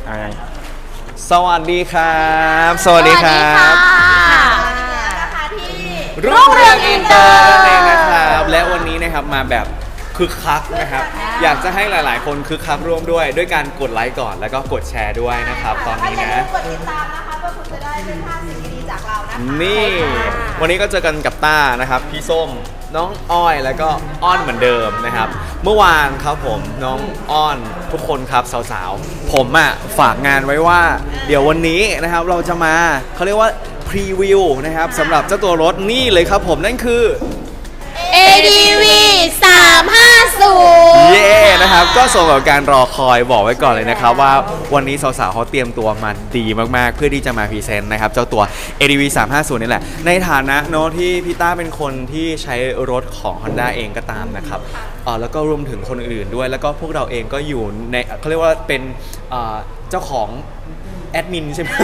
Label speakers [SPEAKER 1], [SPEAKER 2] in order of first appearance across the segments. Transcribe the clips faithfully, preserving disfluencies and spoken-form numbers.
[SPEAKER 1] อะไรสวัสดีครับสวัสดีครับ
[SPEAKER 2] นะคะที่
[SPEAKER 1] รุ่งเรืองอินเตอร์นั่นเองนะครับและวันนี้นะครับมาแบบคึกคักนะครับอยากจะให้หลายๆคนคึกคักร่วมด้วยด้วยการกดไลค์ก่อนแล้วก็กดแชร์ด้วยนะครับตอนนี้นะ
[SPEAKER 2] กดติดตามนะคะเพื่อคุณจะได้เป็นภาพสิ่งดีๆจากเรานะคะ
[SPEAKER 1] นี่วันนี้ก็เจอกันกับต้านะครับพี่ส้มน้องอ้อยแล้วก็อ้อนเหมือนเดิมนะครับเมื่อวานครับผมน้องอ้อนทุกคนครับสาวๆผมอ่ะฝากงานไว้ว่าเดี๋ยววันนี้นะครับเราจะมาเขาเรียกว่าพรีวิวนะครับสำหรับเจ้าตัวรถนี่เลยครับผมนั่นคือ
[SPEAKER 3] เอ ดี วี สามห้าศูนย์
[SPEAKER 1] เย่นะครับก็สมกับการรอคอยบอกไว้ก่อนเลยนะครับว่าวันนี้สาวๆเขาเตรียมตัวมาดีมากๆเพื่อที่จะมาพรีเซนต์นะครับเจ้าตัว เอ ดี วี สามห้าศูนย์ นี่แหละในฐานะเนาะที่พี่ต้าเป็นคนที่ใช้รถของ Honda เองก็ตามนะครับเอ่อแล้วก็รวมถึงคนอื่นๆด้วยแล้วก็พวกเราเองก็อยู่ในเขาเรียกว่าเป็นเอ่อเจ้าของแอดมินใช่ไหม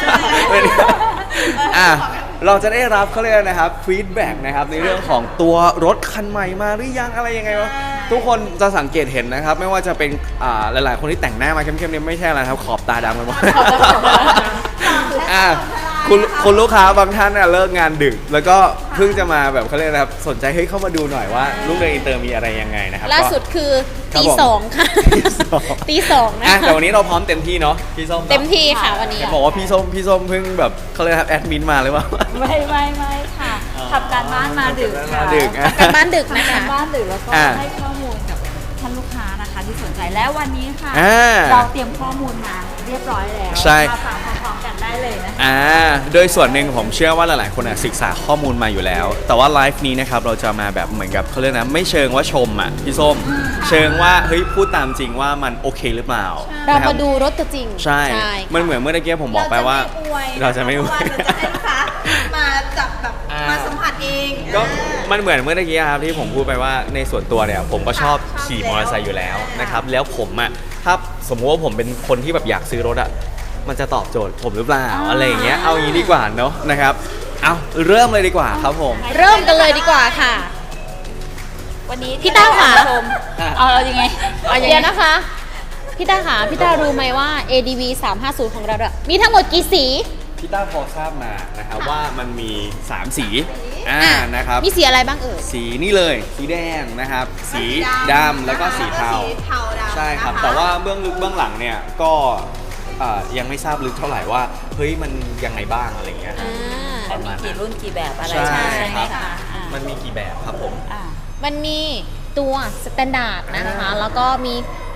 [SPEAKER 1] อ่ะเราจะได้รับเขาเรียกนะครับฟีดแบ็กนะครับในเรื่องของตัวรถคันใหม่มาหรือยังอะไรยังไงวะทุกคนจะสังเกตเห็นนะครับไม่ว่าจะเป็นอ่าหลายๆคนที่แต่งหน้ามาเข้มๆเนี่ยไม่ใช่อะไรครับขอบตาดำกันหมดอ่ะคุณคุณลูกค้าบางท่านเนี่ยเลิกงานดึกแล้วก็เพิ่งจะมาแบบเขาเรียกนะครับสนใจให้เข้ามาดูหน่อยว่าลูกเรืออินเตอร์มีอะไรยังไงนะครับ
[SPEAKER 3] ล่าสุดคือตีสองค่ะตีสองนะ
[SPEAKER 1] แต่วันนี้เราพร้อมเต็มที่เนาะพี่ส้ม
[SPEAKER 3] เต็มที่ค่ะวันนี้
[SPEAKER 1] บอกว่าพี่ส้มพี่ส้มเพิ่งแบบเขาเรียกครับแอดมินมาเลยว่า
[SPEAKER 4] ไม่ไม่ไม่ค่ะทำการบ้านมาดึกค่ะ
[SPEAKER 3] ทำการบ้านดึกนะคะ
[SPEAKER 4] ทำการบ้านดึกแล้วก็ให้ข้อมูลกับท่านลูกค้านะคะที่สนใจแล้ววันนี้ค่ะเราเตรียมข้อมูลมาเรียบร้อยแล้วมาฟังพร้อมๆกันได้เลยนะคะ
[SPEAKER 1] อ่าโดยส่วนหนึ่งผมเชื่อว่าหลายๆคนศึกษาข้อมูลมาอยู่แล้วแต่ว่าไลฟ์นี้นะครับเราจะมาแบบเหมือนกับเขาเรียกนะไม่เชิงว่าชมอ่ะพี่ส้มเชิงว่าเฮ้ยพูดตามจริงว่ามันโอเคหรือเปล่า
[SPEAKER 3] เรามาดูรถตัวจริง
[SPEAKER 1] ใช่มันเหมือนเมื่อกี้ผมบอกไปว่าเราจะไม่อวย
[SPEAKER 2] เราจะให้ลูกค้ามาจับแบบมาสัมผัสเอง
[SPEAKER 1] ก็มันเหมือนเมื่อกี้ครับที่ผมพูดไปว่าในส่วนตัวเนี่ยผมก็ชอบขี่มอเตอร์ไซค์อยู่แล้วนะครับแล้วผมอ่ะถ้าสมมติว่าผมเป็นคนที่แบบอยากซื้อรถอ่ะมันจะตอบโจทย์ผมหรือเปล่าอะไรอย่างเงี้ยเอางี้ดีกว่าเนาะนะครับเอาเริ่มเลยดีกว่าครับผม
[SPEAKER 3] เริ่มกันเลยดีกว่าค่ะ
[SPEAKER 4] วันนี้
[SPEAKER 3] พี่ต้าค่ะ
[SPEAKER 4] ชมเอาเรายังไง
[SPEAKER 3] เอาอย่างนี้นะคะพี่ต้าค่ะพี่ต้ารู้ไหมว่า เอ ดี วี สามห้าศูนย์ ของเราอะมีทั้งหมดกี่สี
[SPEAKER 1] พี่ต้าพอทราบมานะครับว่ามันมีสามสีอ่านะครับ
[SPEAKER 3] มีสีอะไรบ้างเอ่ย
[SPEAKER 1] สีนี่เลยสีแดงนะครับสีดำแล้วก็สีเทาใช่ครับแต่ว่าเบื้องลึกเบื้องหลังเนี่ยก็ยังไม่ทราบลึกเท่าไหร่ว่าเฮ้ยมันยังไงบ้างอะไรเงี้ย
[SPEAKER 4] มันมีกี่รุ่นกี่แบบอะไร
[SPEAKER 1] ใช่
[SPEAKER 4] ไหมคะ
[SPEAKER 1] มันมีกี่แบบครับผม
[SPEAKER 3] มันมีตัวสแตนดาร์ดนะคะแล้วก็มี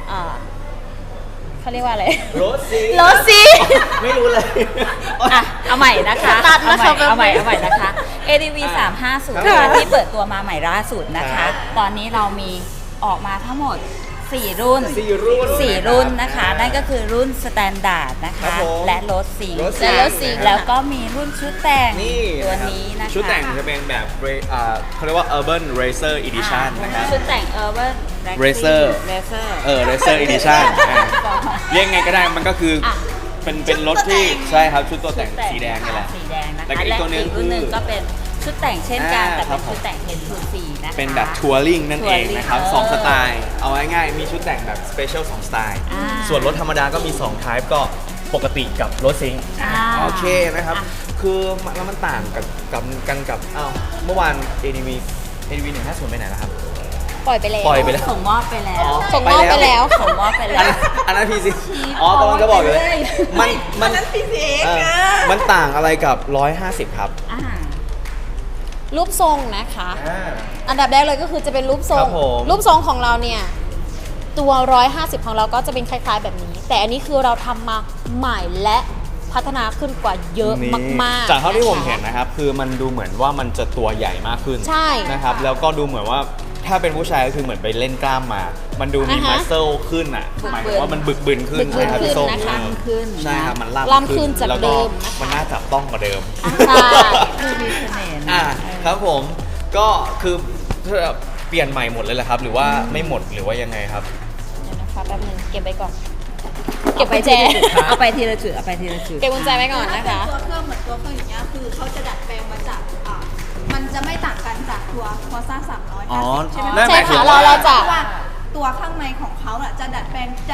[SPEAKER 3] เขาเรียกว่าอะไร
[SPEAKER 1] โรซี
[SPEAKER 3] โรซี
[SPEAKER 1] ไม่รู้เลย
[SPEAKER 4] อ่ะเอาใหม่นะคะเอาใหม่เอาใหม่เอาใหม่นะคะ เอ ดี วี สามห้าศูนย์ที่เปิดตัวมาใหม่ล่าสุดนะคะตอนนี้เรามีออกมาทั้งหมดสี่รุ่น
[SPEAKER 1] สี่รุ่น
[SPEAKER 4] สี่รุ่นนะคะนั่นก็คือรุ่นสแตนดาร์ดนะคะและรถสี
[SPEAKER 3] และรถสี
[SPEAKER 4] แล้วก็มีรุ่นชุดแต่งตัวนี้นะคะ
[SPEAKER 1] ชุดแต่งจะเป็นแบบเขาเรียกว่า Urban Racer Edition นะครับ
[SPEAKER 4] ชุดแต่ง Urban
[SPEAKER 1] Racer
[SPEAKER 4] Racer
[SPEAKER 1] เออ Racer Edition เรียกไงก็ได้มันก็คือเป็นเป็นรถที่ใช่ครับชุดตัวแต่งสีแดงนี่แหละ
[SPEAKER 4] สีแดงนะคะ
[SPEAKER 1] และอีกตัวนึง
[SPEAKER 4] รุ่นนึงก็เป็นชุดแต่งเช่นกันแต่เป็นชุดแต่งเฮดทูซีนะคะ
[SPEAKER 1] เป็นแบบทัวริงนั่นเองนะครับสองสไตล์เอาง่ายๆมีชุดแต่งแบบสเปเชียลสองสไตล์ส่วนรถธรรมดาก็มีสองไทป์ก็ปกติกับรถซิงค์โอเคนะครับคือแล้วมันต่างกับกับกันกับอ้าวเมื่อวาน เอ ดี วี เอ ดี วี หนึ่งห้าศูนย์ไปไหนนะครับ
[SPEAKER 3] ปล่อยไปแล้ว
[SPEAKER 1] ปล่อยไปแล้ว
[SPEAKER 4] ส่งมอบไปแล้ว
[SPEAKER 3] ส่งมอบไปแล้ว
[SPEAKER 4] ส่งมอบไปแล้ว
[SPEAKER 1] อันนั้นพีซีอ๋อกำลังจะบอกเลยมันมันมันต่างอะไรกับหนึ่งร้อยห้าสิบครับ
[SPEAKER 3] รูปทรงนะคะอันดับแรกเลยก็คือจะเป็นรูปทรงรูปทรงของเราเนี่ยตัวหนึ่งร้อยห้าสิบของเราก็จะเป็นคล้ายๆแบบนี้แต่อันนี้คือเราทำมาใหม่และพัฒนาขึ้นกว่าเยอะมาก
[SPEAKER 1] ๆจากเท่าที่ผมเห็นนะครับคือมันดูเหมือนว่ามันจะตัวใหญ่มากขึ้น
[SPEAKER 3] ใช่
[SPEAKER 1] นะครับแล้วก็ดูเหมือนว่าถ้าเป็นผู้ชายก็คือเหมือนไปเล่นกล้ามมามันดูมีมัสเซลขึ้นอ่ะหมายถึงว่ามันบึกบึนขึ้น
[SPEAKER 3] ใช่ครับพี่ส้ม
[SPEAKER 1] ใช่ครับมัน
[SPEAKER 3] ล่ำขึ้นจากเดิม
[SPEAKER 1] มันน่าจับต้องกว่าเดิม
[SPEAKER 3] ใช่
[SPEAKER 4] มีเสน่ห์
[SPEAKER 1] อ่ะครับผมก็คือเปลี่ยนใหม่หมดเลยแหละครับหรือว่าไม่หมดหรือว่ายังไงครับ
[SPEAKER 3] เดี๋ยวนะคะแป๊บนึงเก็บไปก่อนเก็บไปแจ
[SPEAKER 4] เอาไปทีละจุดเอาไปทีละจุด
[SPEAKER 3] เก็บกุญแจไว้ก่อนนะคะ
[SPEAKER 2] ตัวเครื่องเหมือนตัวเครื่องอย่างเงี้ยคือเขาจะดัดแปลงมาจากมันจะไม่ต่างกันจากตัวคอซ่าสามร้อยห้าสิบใช่ไหม
[SPEAKER 3] ใช่ค่ะเราเราจะ
[SPEAKER 2] ว่าตัวข้างในของเขาจะดัดแปลงจะ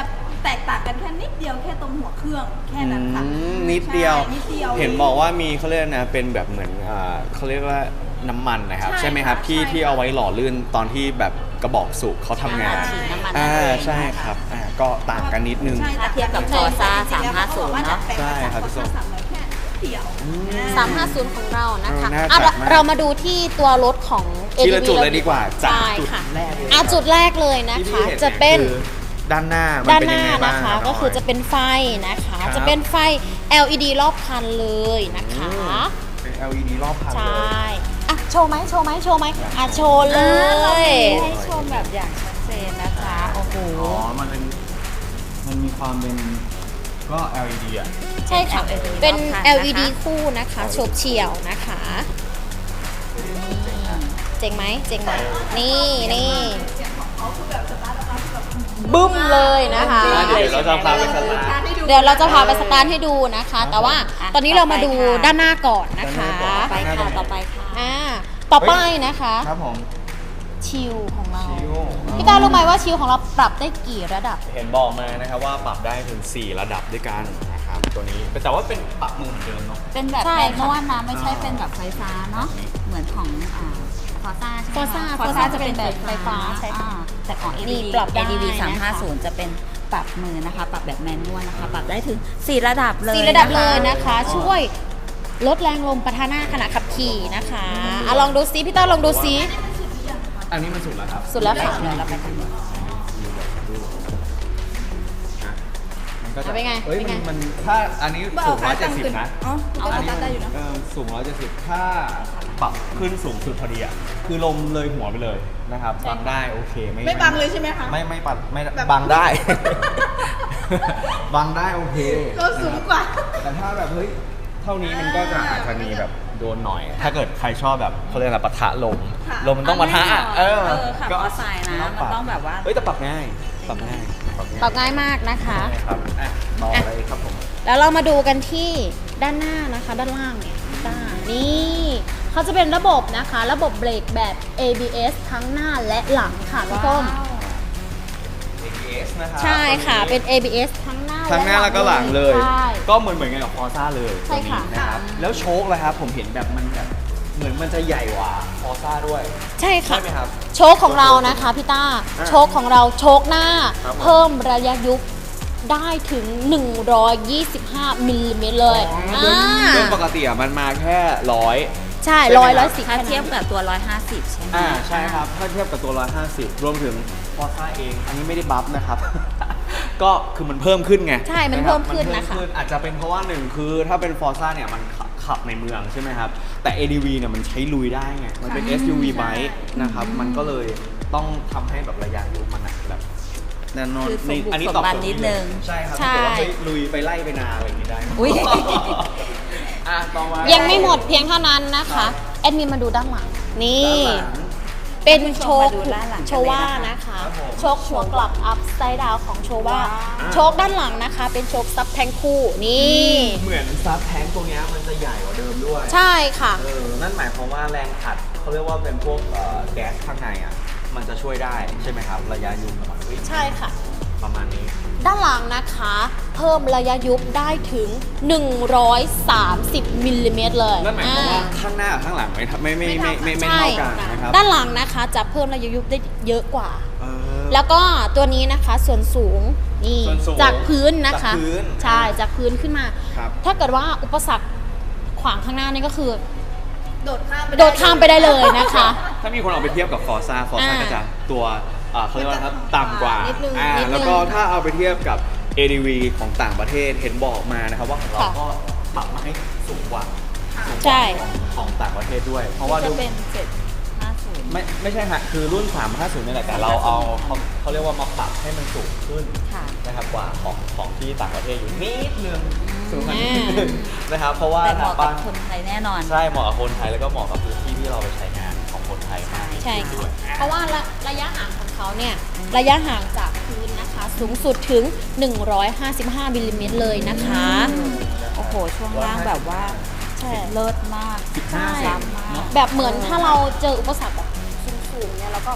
[SPEAKER 2] แตกต่างกันแค่นิดเดียวแค่ตรงหัวเครื่องแค่นั้นค่ะ
[SPEAKER 1] อืมนิดเดียว
[SPEAKER 2] ใช่นิดเดียว
[SPEAKER 1] เห็นบอกว่ามีเขาเรียกนะเป็นแบบเหมือนอ่าเขาเรียกว่าน้ำมันนะครับ
[SPEAKER 2] ใช่
[SPEAKER 1] ใช่ไหมครับ
[SPEAKER 2] ค่ะ
[SPEAKER 1] ที่
[SPEAKER 2] ใช่
[SPEAKER 1] ที่เอาไว้หล่อลื่นตอนที่แบบกระบอกสูบเขาทำงาน
[SPEAKER 4] ฉีดน้ำมัน
[SPEAKER 1] อ่า
[SPEAKER 4] นั่นเอง
[SPEAKER 1] ใช่ครับอ่าก็ต่างกันนิดนึง
[SPEAKER 2] ใช่
[SPEAKER 4] ถ้าเทียบกับ
[SPEAKER 2] ใช่
[SPEAKER 4] Forza
[SPEAKER 2] จริงๆแล้ว
[SPEAKER 4] สามห้าศูนย์
[SPEAKER 2] เขบอกว่
[SPEAKER 4] เนอะ
[SPEAKER 2] ดัดแปลง
[SPEAKER 1] ใช่ครับ
[SPEAKER 2] มา
[SPEAKER 1] พี่ส้
[SPEAKER 2] จาก
[SPEAKER 1] ม
[SPEAKER 2] Forza สามร้อยแค่เดียว
[SPEAKER 3] สามห้าศูนย์ของเรานะคะ
[SPEAKER 1] เออน่า
[SPEAKER 3] อ่ะ
[SPEAKER 1] จัดมาก
[SPEAKER 3] เรามาดูที่ตัวรถของ
[SPEAKER 1] ทีละ
[SPEAKER 3] เอ
[SPEAKER 1] จุดเลยดีกว่าจาก
[SPEAKER 3] ใช่
[SPEAKER 1] จุด
[SPEAKER 3] ค่ะ
[SPEAKER 1] แรกเลย
[SPEAKER 3] อ่ะจุดแรกเลยนะ
[SPEAKER 1] ที่
[SPEAKER 3] คะ
[SPEAKER 1] พี่ห็
[SPEAKER 3] จะเป็น
[SPEAKER 1] คือด้านหน้ามัน
[SPEAKER 3] ด้าน
[SPEAKER 1] เป็น
[SPEAKER 3] ห
[SPEAKER 1] ยั
[SPEAKER 3] น้าง
[SPEAKER 1] ไงบ้าง
[SPEAKER 3] นะคะ
[SPEAKER 1] รับ
[SPEAKER 3] ก็คือ
[SPEAKER 1] น้ย
[SPEAKER 3] จะเป็นไฟนะคะ
[SPEAKER 1] ครับ
[SPEAKER 3] จะเป็นไฟ แอล อี ดี รอบคันเลยนะคะ
[SPEAKER 1] เป็น แอล อี ดี รอบคัน
[SPEAKER 3] ใช
[SPEAKER 1] เลย่
[SPEAKER 3] อ่ะโชว์ไหมโชว์ไหมโชว์ไหมอ่ะโชว์เล
[SPEAKER 4] อ่าเรา
[SPEAKER 3] ย
[SPEAKER 4] มีให้ชมแบบอย่างชัดเจนนะจ๊ะโอ้โห
[SPEAKER 1] อ๋อ มันเป็น มันมีความเป็น ก็ แอล อี ดี อ่ะ
[SPEAKER 3] ใช่ค่ะ
[SPEAKER 4] เป็น
[SPEAKER 3] เป็น
[SPEAKER 4] รอบคันนะคะ
[SPEAKER 3] แอล อี ดี คู่นะคะโฉบเฉี่ยวนะคะเจ๋งไหมเจ๋งไหมนี่นี่บึ้มเลยนะคะ
[SPEAKER 1] เดี๋ยวเราจะพาไปสตาร์ท
[SPEAKER 3] เดี๋ยวเราจะพาไปสตาร์ทให้ดูนะคะ แต่ว่าตอนนี้เรามาดูด้านหน้าก่อนนะคะ
[SPEAKER 1] ด้านหน้าก่อน
[SPEAKER 4] ไปค่ะต่อไปค่ะ
[SPEAKER 3] อ่าต่อไปนะคะ
[SPEAKER 1] ครับผม
[SPEAKER 3] ชิลของเรา
[SPEAKER 1] ชิล
[SPEAKER 3] พี่ตารู้ไหมว่าชิลของเราปรับได้กี่ระดับ
[SPEAKER 1] เห็นบอกมานะครับว่าปรับได้ถึง สี่ ระดับด้วยกันนะครับ ตัวนี้ แต่ว่าเป็นปรับมือเหมือนเดิมเนาะ
[SPEAKER 4] เป็นแบบ
[SPEAKER 3] ใช่
[SPEAKER 4] แมน
[SPEAKER 3] ค่ะ
[SPEAKER 4] นวลนะไม่ใช่เป็นแบบไฟฟ้าเนาะเหมือนของอ่าฟอร์ซ่าใช่ไหม
[SPEAKER 3] Forza
[SPEAKER 4] ฟอร์
[SPEAKER 3] Forza
[SPEAKER 4] ซ่า
[SPEAKER 3] จะ
[SPEAKER 4] จะ
[SPEAKER 3] เป็
[SPEAKER 4] เป็น น
[SPEAKER 3] แบบไฟฟ้าใช่ค่ะ
[SPEAKER 4] อ่าแต่ของ
[SPEAKER 3] นี่
[SPEAKER 4] เอ
[SPEAKER 3] ปรับได้
[SPEAKER 4] เอ ดี วี
[SPEAKER 3] นะคะ
[SPEAKER 4] สามห้าศูนย์จะเป็นปรับมือนะคะ ปรับแบบแมนนวลนะคะ ปรับได้ถึง สี่ ระดับเลย
[SPEAKER 3] สี่ระดับ
[SPEAKER 4] นค
[SPEAKER 3] เลยนะคะ ช่วยลดแรงลมปะทะหน้าขณะขับขี่นะคะอ่ะลองดูซิพี่ต้าลองดูซิ
[SPEAKER 1] อันนี้มันสุดแล้วครับ
[SPEAKER 3] สุดแล้วค่ะ
[SPEAKER 4] เดี๋ยวเราไปกัน
[SPEAKER 1] มันก็จะ
[SPEAKER 3] อ่ะเป็นไง
[SPEAKER 1] เอ้ย
[SPEAKER 3] เป็นไง
[SPEAKER 1] มันมันถ้าอันนี้สูงร้อยเจ็ดสิบนะ
[SPEAKER 2] อ๋อมันก็สตาร์ทได้อยู่นะ
[SPEAKER 1] เออสูงร้อยเจ็ดสิบถ้าปรับขึ้นสูงสุดพอดีอ่ะ คือลมเลยหัวไปเลยนะครับบังได้โอเค ไม่
[SPEAKER 2] ไม่บังเลยใช่ไหมคะ
[SPEAKER 1] ไม่ไม่ปัดไม่
[SPEAKER 2] แบบ
[SPEAKER 1] บังได้ บังได้โอเค
[SPEAKER 2] เราสูงกว่า
[SPEAKER 1] แต่ถ้าแบบเฮ้ยเท่านี้มันก็จะอาจจะมีแบบโดนหน่อย ถ้าเกิดใครชอบแบบเขาเรียกอะไรปะทะลม
[SPEAKER 2] ค่ะ
[SPEAKER 1] ลมมันต้องปะทะอ่ะ
[SPEAKER 4] เอ
[SPEAKER 1] เอ
[SPEAKER 4] อ
[SPEAKER 1] อ
[SPEAKER 4] ขับมอเตอร์ไซค์นะมันต้องแบบว่า
[SPEAKER 1] เฮ้ยแต่ปรับง่ายปรับง่ายปรับง่าย
[SPEAKER 3] ปรับง่ายมากนะคะ
[SPEAKER 1] ใช่ครับอ่ะต่อเลยครับผม
[SPEAKER 3] แล้วเรามาดูกันที่ด้านหน้านะคะ ด้านล่างเนี่ยด้านนี่เขาจะเป็นระบบนะคะ ระบบเบรกแบบ เอ บี เอส ทั้งหน้าและหลังค่ะพี่ส้ม
[SPEAKER 1] เอ บี เอส นะครับ
[SPEAKER 3] ใช่ค่ะเป็น เอ บี เอส ทั้งหน้า
[SPEAKER 1] ทั้งหน้าแล้วก็หลังเลย
[SPEAKER 3] ใช่
[SPEAKER 1] ก็เหมือนเหมือนกันกับฟอร์ซ่าเลย
[SPEAKER 3] ใช่ค่ะ
[SPEAKER 1] ตัวนี้นะครับ แล้วโชคเลยครับ ผมเห็นแบบมันแบบเหมือนมันจะใหญ่กว่าฟอร์ซ่าด้วย
[SPEAKER 3] ใช่ค่ะ
[SPEAKER 1] ใช่ไหมครับ
[SPEAKER 3] โชคของเรานะคะพี่ต้า
[SPEAKER 1] อ่า
[SPEAKER 3] โชคของเราโชคหน้า
[SPEAKER 1] ครับผม
[SPEAKER 3] เพิ่มระยะยุบได้ถึง หนึ่งร้อยยี่สิบห้ามิลลิเมตรเลย
[SPEAKER 1] อ๋อ
[SPEAKER 3] อ่า
[SPEAKER 1] โดยปกติอ่ะมันมาแค่ร้อย
[SPEAKER 3] ใช่
[SPEAKER 1] ใช่ไหม
[SPEAKER 3] ร้อย
[SPEAKER 1] ครับ
[SPEAKER 3] ร้อยสิบ
[SPEAKER 4] ถ้าเทียบกับตัว หนึ่งร้อยห้าสิบ ใช่ไหม
[SPEAKER 1] อ่าใช่ครับ ถ้าเทียบกับตัว หนึ่งร้อยห้าสิบ รวมถึงฟอร์ซ่าเอง อันนี้ไม่ได้บัฟนะครับ ก็คือมันเพิ่มขึ้นไง
[SPEAKER 3] ใช่มัน
[SPEAKER 1] รับ
[SPEAKER 3] เพิ่มขึ้นนะคะ
[SPEAKER 1] มัเพิ่มอาจจะเป็นเพราะว่าหนึ่งคือถ้าเป็นฟอร์ซ่าเนี่ยมันขับขับในเมืองใช่ไหมครับ แต่ เอ ดี วี เนี่ยมันใช้ลุยได้ไง มันเป็น เอส ยู วี bike นะครับ มันก็เลยต้องทำให้แบบระยะยุมันอะแบบแน่นอน
[SPEAKER 4] คือสมบุก
[SPEAKER 1] อันนี้
[SPEAKER 4] สม
[SPEAKER 1] ตอบ
[SPEAKER 4] บัน
[SPEAKER 1] โจทย์
[SPEAKER 4] นิดนึง
[SPEAKER 1] ใช่ครับ
[SPEAKER 3] ใช่
[SPEAKER 1] ถ้าเกิดว่าเฮ้ยลุยไปไล่ไปนาอะไรอย่างนี้ได้
[SPEAKER 4] อุ๊ย
[SPEAKER 1] อ่ะต่อมา
[SPEAKER 3] ยังไม่หมดเพียงเท่านั้นนะคะ แอดมินมาดูด้านหลัง นี่
[SPEAKER 1] ด้านหลัง
[SPEAKER 3] เป็นโชค
[SPEAKER 4] มาดูด้านหลังกันเลยนะคะ
[SPEAKER 3] โชว่านะคะ
[SPEAKER 1] ครับผม
[SPEAKER 3] โชคหัวกลับอัพไซด์ดาวของโชว่า
[SPEAKER 4] ว้าว
[SPEAKER 3] โชคด้านหลังนะคะ เป็นโชคซับแทงคู่นี่
[SPEAKER 1] เหมือนซับแทงค์ตัวเนี้ยมันจะใหญ่กว่าเดิมด้วย
[SPEAKER 3] ใช่ค่ะ
[SPEAKER 1] เออ นั่นหมายความว่าแรงอัดเขาเรียกว่าเป็นพวกเอ่อแก๊สข้างในอ่ะ มันจะช่วยได้ใช่ไหมครับ ระยะยุงประมาณนี้
[SPEAKER 3] ใช่ค่ะ
[SPEAKER 1] ประมาณนี้
[SPEAKER 3] ด้านหลังนะคะ เพิ่มระยะยุบได้ถึง หนึ่งร้อยสามสิบมิลลิเมตรเลย
[SPEAKER 1] นั่นหมายความว่า
[SPEAKER 3] อ่
[SPEAKER 1] ข้างหน้ากับข้างหลังไม่ทับไม่ไม่ไม่ไม่ไม่
[SPEAKER 3] ใช่
[SPEAKER 1] เท่ากันนะครับ
[SPEAKER 3] ด้านหลังนะคะจะเพิ่มระยะยุบได้เยอะกว่า
[SPEAKER 1] เออ
[SPEAKER 3] แล้วก็ตัวนี้นะคะส่วนสูงนี่
[SPEAKER 1] ส่วนสูง
[SPEAKER 3] จากพื้นนะคะ
[SPEAKER 1] จากพื้น
[SPEAKER 3] ใช่จากพื้นขึ้นมา
[SPEAKER 1] ครับ
[SPEAKER 3] ถ้าเกิดว่าอุปสรรคขวางข้างหน้านี่ก็คือ
[SPEAKER 2] โดดข้ามไป
[SPEAKER 3] โดดข้ามไปได้เลยนะคะ
[SPEAKER 1] ถ้ามีคนเอาไปเทียบกับฟอร์ซ่าฟอร์ซ่า
[SPEAKER 3] อ่า
[SPEAKER 1] ก็จะตัวเอ่อเขาเรียกว่าครับต่ำกว่า
[SPEAKER 3] นิดนึง
[SPEAKER 1] อ่า
[SPEAKER 3] นิดนึง
[SPEAKER 1] แล้วก็ถ้าเอาไปเทียบกับ เอ ดี วี ของต่างประเทศเห็นบอกมานะครับว่าของเรา
[SPEAKER 3] ค่ะ
[SPEAKER 1] ก็ปรับมาให้สูงกว่าสูงก
[SPEAKER 3] ใช่
[SPEAKER 1] ว่าของของต่างประเทศด้วย เพราะว่า
[SPEAKER 4] จะ
[SPEAKER 1] ดู
[SPEAKER 4] เป็นเจ็ดห้าศูนย์
[SPEAKER 1] ไม่ไม่ใช่ฮะคือรุ่น สามห้าศูนย์นี่แหละแต่เราเอาเขาเขาเรียกว่ามาปรับให้มันสูงขึ้น
[SPEAKER 4] ค่ะ
[SPEAKER 1] นะครับกว่าของของที่ต่างประเทศอยู่นิดนึงสูงกว่า
[SPEAKER 3] อื
[SPEAKER 1] นิ
[SPEAKER 3] ม
[SPEAKER 1] ดนึงนะครับเพราะว่า
[SPEAKER 4] แต่เหมาะกับ
[SPEAKER 1] ทง
[SPEAKER 4] คนไทยแน่นอน
[SPEAKER 1] ใช่เหมาะกับคนไทยแล้วก็เหมาะกับพื้นที่ที่เราไปใช้งานของคนไทยมาก
[SPEAKER 3] ใช่
[SPEAKER 1] ด้
[SPEAKER 3] ค่ะ
[SPEAKER 1] วย
[SPEAKER 3] เพราะว่าระระยะห่างของเขาเนี่ยระยะห่างจากพื้นนะคะ สูงสุดถึง หนึ่งร้อยห้าสิบห้ามิลลิเมตรเลยนะคะ
[SPEAKER 4] โอ้โห ช่วงล่างแบบว่า
[SPEAKER 3] ใช่
[SPEAKER 4] เลิศมาก
[SPEAKER 1] สิบห้า
[SPEAKER 3] ใช่
[SPEAKER 1] เซน
[SPEAKER 4] มาก
[SPEAKER 1] เนาะ
[SPEAKER 3] แบบเหมือนถ้าเราเจออุปสรรคแบบสูงๆเนี่ยเราก็ผ่าน